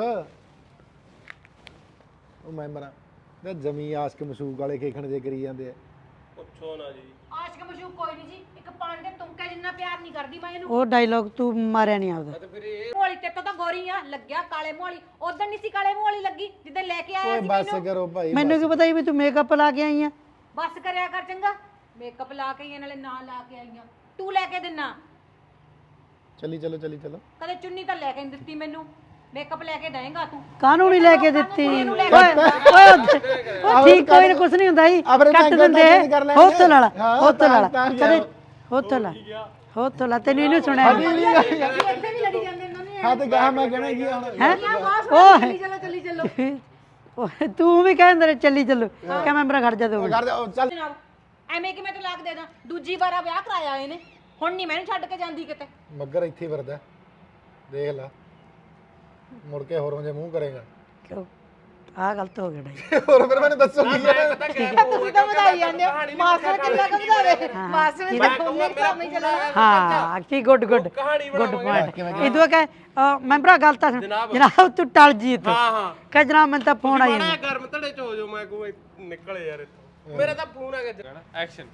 [SPEAKER 8] ਉਹ ਮੈਂਬਰਾਂ ਤੇ ਜਮੀ ਆਸ਼ਕ ਮਸ਼ੂਕ ਵਾਲੇ ਖੇਖਣ ਜੇ ਕਰੀ ਜਾਂਦੇ ਆ
[SPEAKER 3] ਆਸ਼ਕ ਮਸ਼ੂਕ ਕੋਈ ਨਹੀਂ ਜੀ ਇੱਕ ਪਾਣੀ ਦੇ ਤੁੰਕੇ ਜਿੰਨਾ ਪਿਆਰ ਨਹੀਂ ਕਰਦੀ ਮੈਂ ਇਹਨੂੰ
[SPEAKER 1] ਉਹ ਡਾਇਲੌਗ ਤੂੰ ਮਾਰਿਆ ਨਹੀਂ ਆਪਦਾ
[SPEAKER 3] ਮੋਲੀ ਤੇ ਤਾਂ ਗੋਰੀ ਆ ਲੱਗਿਆ ਕਾਲੇ ਮੋਲੀ ਉਦੋਂ ਨਹੀਂ ਸੀ ਕਾਲੇ ਮੋਲੀ ਲੱਗੀ ਜਿੱਦਾਂ ਲੈ ਕੇ ਆਇਆ
[SPEAKER 8] ਓਏ
[SPEAKER 3] ਸੀ
[SPEAKER 8] ਬਸ
[SPEAKER 3] ਮੈਨੂੰ
[SPEAKER 8] ਕਰੋ ਭਾਈ
[SPEAKER 1] ਮੈਨੂੰ ਕੀ ਪਤਾ ਸੀ ਵੀ ਤੂੰ ਮੇਕਅਪ ਲਾ ਕੇ ਆਈ ਆ
[SPEAKER 3] ਬਸ ਕਰਿਆ ਕਰ ਚੰਗਾ ਮੇਕਅਪ ਲਾ ਕੇ ਆਈਆਂ ਨਾਲੇ ਨਾ ਲਾ ਕੇ ਆਈਆਂ ਤੂੰ ਲੈ ਕੇ ਦਿਨਾ
[SPEAKER 8] ਚੱਲੀ ਚਲੋ
[SPEAKER 3] ਕਦੇ ਚੁੰਨੀ ਤਾਂ ਲੈ ਕੇ ਨਹੀਂ ਦਿੱਤੀ ਮੈਨੂੰ ਮੇਕਅਪ ਲੈ ਕੇ ਦੇਂਗਾ ਤੂੰ
[SPEAKER 1] ਕਾਹਨੂੰ ਨਹੀਂ ਲੈ ਕੇ ਦਿੱਤੀ
[SPEAKER 3] ਇਹਨੂੰ ਲੈ
[SPEAKER 1] ਓਏ ਓਏ ਠੀਕ ਕੋਈ ਨਾ ਕੁਛ ਨਹੀਂ ਹੁੰਦਾ ਜੀ ਕੱਟ ਦਿੰਦੇ ਹੋਤਲ ਵਾਲਾ ਹੋਤਲ ਵਾਲਾ ਕਦੇ ਹੋਤਲ ਲਾ ਤੈਨੂੰ ਇਹਨੂੰ ਸੁਣਿਆ
[SPEAKER 3] ਇੱਥੇ ਵੀ ਲੜੀ ਜਾਂਦੇ ਇਹਨਾਂ ਨੇ
[SPEAKER 8] ਹਾਂ ਤੇ ਗਾਹ ਮੈਂ ਕਹਿਣਾ ਕੀ ਹੁਣ
[SPEAKER 1] ਹੈ
[SPEAKER 3] ਚੱਲੀ ਚੱਲੋ
[SPEAKER 1] ਓਏ ਤੂੰ ਵੀ ਕਹਿੰਦੇ ਨੇ ਚੱਲੀ ਚੱਲੋ ਕਿ ਮੈਂ ਮੇਰਾ ਖੜ ਜਾ ਦੋ
[SPEAKER 8] ਕਰ ਦੇ ਉਹ ਚੱਲ
[SPEAKER 3] ਜਨਾਬ ਐਵੇਂ ਕਿ ਮੈਂ ਤਲਾਕ ਦੇ ਦਾਂ ਦੂਜੀ ਵਾਰਾ ਵਿਆਹ ਕਰਾਇਆ ਇਹਨੇ ਹੁਣ ਨਹੀਂ ਮੈਨੂੰ ਛੱਡ ਕੇ ਜਾਂਦੀ ਕਿਤੇ
[SPEAKER 8] ਮੱਗਰ ਇੱਥੇ ਵਰਦਾ ਦੇਖ ਲੈ ਮੁੜ ਕੇ ਹੋਰੋਂ ਜੇ ਮੂੰਹ ਕਰੇਗਾ
[SPEAKER 1] ਕਿਉਂ ਆ ਗਲਤ ਹੋ ਗਿਆ ਡਾਈ
[SPEAKER 8] ਹੋਰ ਫਿਰ ਮੈਨੂੰ ਦੱਸੋ ਕੀ ਹੈ
[SPEAKER 3] ਤੁਸੀਂ ਤਾਂ ਵਧਾਈ ਜਾਂਦੇ ਹੋ ਮਾਸਟਰ ਕਿੰਨਾ ਕੁ ਵਧਾਵੇ ਮਾਸਟਰ ਨੇ ਤਾਂ ਉਹਨੇ ਕੰਮ ਹੀ ਚਲਾਇਆ
[SPEAKER 1] ਹਾਂ ਕੀ ਗੁੱਡ ਪੁਆਇੰਟ ਇਦੋਂ ਕਹੇ ਮੈਂ ਭਰਾ ਗੱਲ ਤਾਂ ਸੁਣ ਜਨਾਬ ਤੂੰ ਟਲ ਜੀ ਇੱਥੇ
[SPEAKER 2] ਹਾਂ
[SPEAKER 1] ਕਹ ਜਨਾਬ ਮੈਨੂੰ ਤਾਂ ਫੋਨ ਆਈ ਜਾਂਦਾ
[SPEAKER 2] ਗਰਮ ਧੜੇ ਚ ਹੋ ਜਾਓ ਮੈਂ ਕੋਈ ਨਿਕਲੇ ਯਾਰ ਇੱਥੋਂ ਮੇਰਾ ਤਾਂ ਫੋਨ ਆ ਗਿਆ ਐਕਸ਼ਨ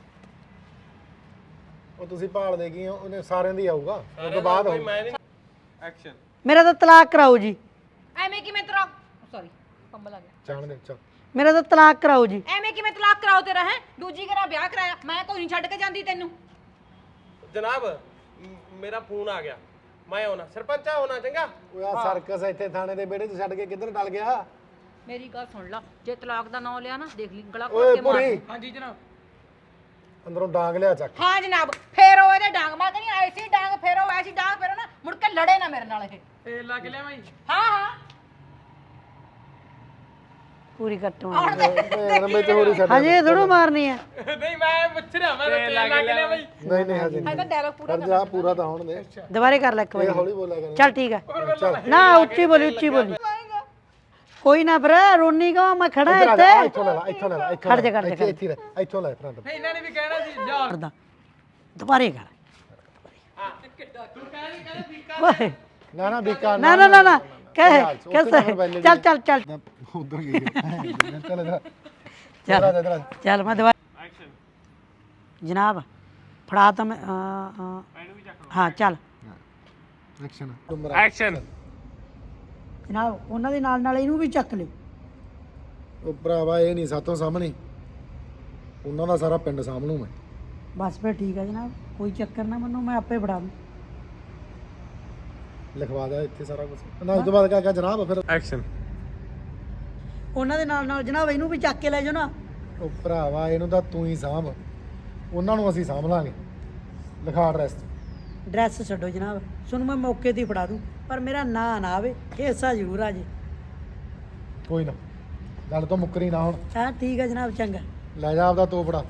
[SPEAKER 8] ਉਹ ਤੁਸੀਂ ਭਾਲਦੇ ਕੀ ਹੋ ਉਹਨੇ ਸਾਰਿਆਂ ਦੀ ਆਊਗਾ ਉਹ ਤੋਂ ਬਾਅਦ ਹੋਊ
[SPEAKER 2] ਮੈਂ ਨਹੀਂ ਐਕਸ਼ਨ
[SPEAKER 1] ਮੇਰਾ ਤਾਂ ਤਲਾਕ ਕਰਾਓ ਜੀ
[SPEAKER 3] ਐਵੇਂ ਕਿ ਮੈਂ ਤੇਰਾ ਸੌਰੀ ਕੰਬਲ ਆ ਗਿਆ
[SPEAKER 8] ਜਾਣ ਦੇ ਚੱਲ
[SPEAKER 1] ਮੇਰਾ ਤਾਂ ਤਲਾਕ ਕਰਾਓ ਜੀ
[SPEAKER 3] ਐਵੇਂ ਕਿ ਮੈਂ ਤਲਾਕ ਕਰਾਓ ਤੇਰਾ ਹੈ ਦੂਜੀ ਘਰਾਂ ਵਿਆਹ ਕਰਾਇਆ ਮੈਂ ਕੋਈ ਨਹੀਂ ਛੱਡ ਕੇ ਜਾਂਦੀ ਤੈਨੂੰ
[SPEAKER 2] ਜਨਾਬ ਮੇਰਾ ਫੋਨ ਆ ਗਿਆ ਮੈਂ ਆਉਣਾ ਸਰਪੰਚਾ ਹੋਣਾ ਚੰਗਾ
[SPEAKER 8] ਉਹ ਆ ਸਰਕਸ ਇੱਥੇ ਥਾਣੇ ਦੇ ਵਿਹੜੇ 'ਚ ਛੱਡ ਕੇ ਕਿੱਧਰ ਟਲ ਗਿਆ
[SPEAKER 3] ਮੇਰੀ ਗੱਲ ਸੁਣ ਲਾ ਜੇ ਤਲਾਕ ਦਾ ਨਾਂ ਲਿਆ ਨਾ ਦੇਖ ਲਈ ਗਲਾ
[SPEAKER 8] ਓਏ
[SPEAKER 3] ਘੋਟ ਕੇ ਮਾਰ
[SPEAKER 8] ਪੁਰੀ
[SPEAKER 2] ਹਾਂਜੀ ਜਨਾਬ
[SPEAKER 8] ਅੰਦਰੋਂ ਡਾਂਗ ਲਿਆ ਚੱਕ
[SPEAKER 3] ਹਾਂ ਜਨਾਬ ਫੇਰ ਉਹ ਇਹਦੇ ਡਾਂਗ ਮੈਂ ਕਹਿੰਦੀ ਐਸੀ ਡਾਂਗ ਫੇਰੋ ਐਸੀ ਡਾਂਗ ਫੇਰੋ ਨਾ ਮੁੜ ਕੇ ਲੜੇ ਨਾ ਮੇਰੇ ਨਾਲ ਇਹ
[SPEAKER 2] ਤੇਲ ਲਾ ਕੇ ਲਿਆਵਾਂ ਜੀ
[SPEAKER 3] ਹਾਂ ਹਾਂ
[SPEAKER 1] ਪੂਰੀ ਕੱਟੋ
[SPEAKER 8] ਯਾਰ ਮੈਂ ਤੇ ਹੋਰੀ ਛੱਡ
[SPEAKER 1] ਹਜੇ ਥੋੜੋ ਮਾਰਨੀ ਹੈ
[SPEAKER 2] ਨਹੀਂ ਮੈਂ ਪੁੱਛ ਰਿਹਾ ਮੈਂ ਤੇਲ ਲਾ ਕੇ ਲਿਆਵਾਂ ਜੀ
[SPEAKER 8] ਨਹੀਂ ਹਜੇ
[SPEAKER 3] ਇਹਦਾ ਡਾਇਲੌਗ ਪੂਰਾ
[SPEAKER 8] ਕਰ ਜਾ ਪੂਰਾ ਤਾਂ ਹੋਣ ਦੇ
[SPEAKER 1] ਦੁਬਾਰੇ ਕਰ ਲੈ ਇੱਕ
[SPEAKER 8] ਇਹ
[SPEAKER 1] ਵਾਰੀ
[SPEAKER 8] ਹੌਲੀ ਬੋਲਿਆ ਕਰ
[SPEAKER 1] ਚੱਲ ਠੀਕ ਹੈ ਨਾ ਉੱਚੀ ਬੋਲੀ ਕੋਈ ਨਾ ਭਰਾ ਰੋਣੀ ਕਾ ਮੈਂ ਖੜਾ ਇੱਥੇ
[SPEAKER 8] ਇੱਥੋਂ ਲੈ ਲਾ
[SPEAKER 1] ਖੜ ਜਾ
[SPEAKER 8] ਇੱਥੇ ਲੈ ਇੱਥੋਂ ਲੈ ਫਰੰਟ
[SPEAKER 2] ਇਹਨਾਂ ਨੇ ਵੀ ਕਹਿਣਾ ਸੀ ਜਾ
[SPEAKER 1] ਕਰਦਾ ਦੁਬਾਰੇ ਕਰ
[SPEAKER 2] ਤੂੰ ਕਹਿ ਵੀ
[SPEAKER 1] ਓਏ
[SPEAKER 8] ਨਾ ਬੀਕਾ
[SPEAKER 1] ਨਾ ਕਹਿ ਚੱਲ
[SPEAKER 8] ਉਧਰ ਗਈ ਚੱਲ ਇਧਰ
[SPEAKER 1] ਚੱਲ ਮੈਂ ਦੁਬਾਰਾ
[SPEAKER 2] ਐਕਸ਼ਨ
[SPEAKER 1] ਜਨਾਬ ਫੜਾ ਤਾਂ ਮੈਂ ਹਾਂ ਚੱਲ
[SPEAKER 8] ਐਕਸ਼ਨ
[SPEAKER 2] ਐਕਸ਼ਨ
[SPEAKER 1] ਜਨਾਬ ਉਹਨਾਂ ਦੇ ਨਾਲ ਇਹਨੂੰ ਵੀ ਚੱਕ ਲਿਓ
[SPEAKER 8] ਉਹ ਭਰਾਵਾ ਇਹ ਨਹੀਂ ਸਾਤੋਂ ਸਾਹਮਣੇ ਉਹਨਾਂ ਦਾ ਸਾਰਾ ਪਿੰਡ ਸਾਹਮਣੂ ਮੈਂ
[SPEAKER 1] ਬਸ ਫਿਰ ਠੀਕ ਹੈ ਜਨਾਬ ਕੋਈ ਚੱਕਰ ਨਾ ਮੈਨੂੰ ਮੈਂ ਆਪੇ ਫੜਾ ਦੂੰ
[SPEAKER 8] ਲਿਖਵਾ ਦਿਆ ਇੱਥੇ ਸਾਰਾ ਕੁਝ ਨਾ ਉਸ ਤੋਂ ਬਾਅਦ ਕਿਆ ਜਨਾਬ ਫਿਰ
[SPEAKER 2] ਐਕਸ਼ਨ
[SPEAKER 1] ਉਹਨਾਂ ਦੇ ਨਾਲ ਜਨਾਬ ਇਹਨੂੰ ਵੀ ਚੱਕ ਕੇ ਲੈ ਜਾਓ ਨਾ
[SPEAKER 8] ਉਹ ਭਰਾਵਾ ਇਹਨੂੰ ਤਾਂ ਤੂੰ ਹੀ ਸਾਂਭ ਉਹਨਾਂ ਨੂੰ ਅਸੀਂ ਸਾਂਭ ਲਾਂਗੇ ਲਿਖਾ ਐਡਰੈਸ
[SPEAKER 1] ਡਰੈਸ ਛੱਡੋ ਜਨਾਬ ਤੁਹਾਨੂੰ ਮੈਂ ਮੌਕੇ ਤੇ ਹੀ ਫੜਾ ਦੂੰ ਪਰ ਮੇਰਾ ਨਾਂ ਨਾ ਆਵੇ ਹਿੱਸਾ ਜ਼ਰੂਰ ਆ ਜੇ
[SPEAKER 8] ਕੋਈ ਨਾ ਗੱਲ ਤੋਂ ਮੁੱਕਰੀ ਨਾ ਹੁਣ
[SPEAKER 1] ਹਾਂ ਠੀਕ ਹੈ ਜਨਾਬ ਚੰਗਾ
[SPEAKER 8] ਲੈ ਜਾ ਆਪਦਾ ਤੋਪੜਾ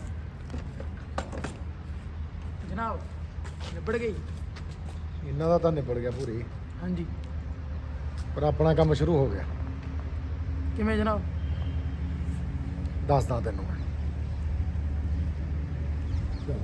[SPEAKER 1] ਜਨਾਬ ਨਿਬੜ ਗਈ
[SPEAKER 8] ਇਹਨਾਂ ਦਾ ਤਾਂ ਨਿਬੜ ਗਿਆ ਪੂਰੀ
[SPEAKER 1] ਹਾਂਜੀ
[SPEAKER 8] ਪਰ ਆਪਣਾ ਕੰਮ ਸ਼ੁਰੂ ਹੋ ਗਿਆ
[SPEAKER 1] ਕਿਵੇਂ ਜਨਾਬ
[SPEAKER 8] ਦੱਸਦਾ ਤੈਨੂੰ ਮੈਂ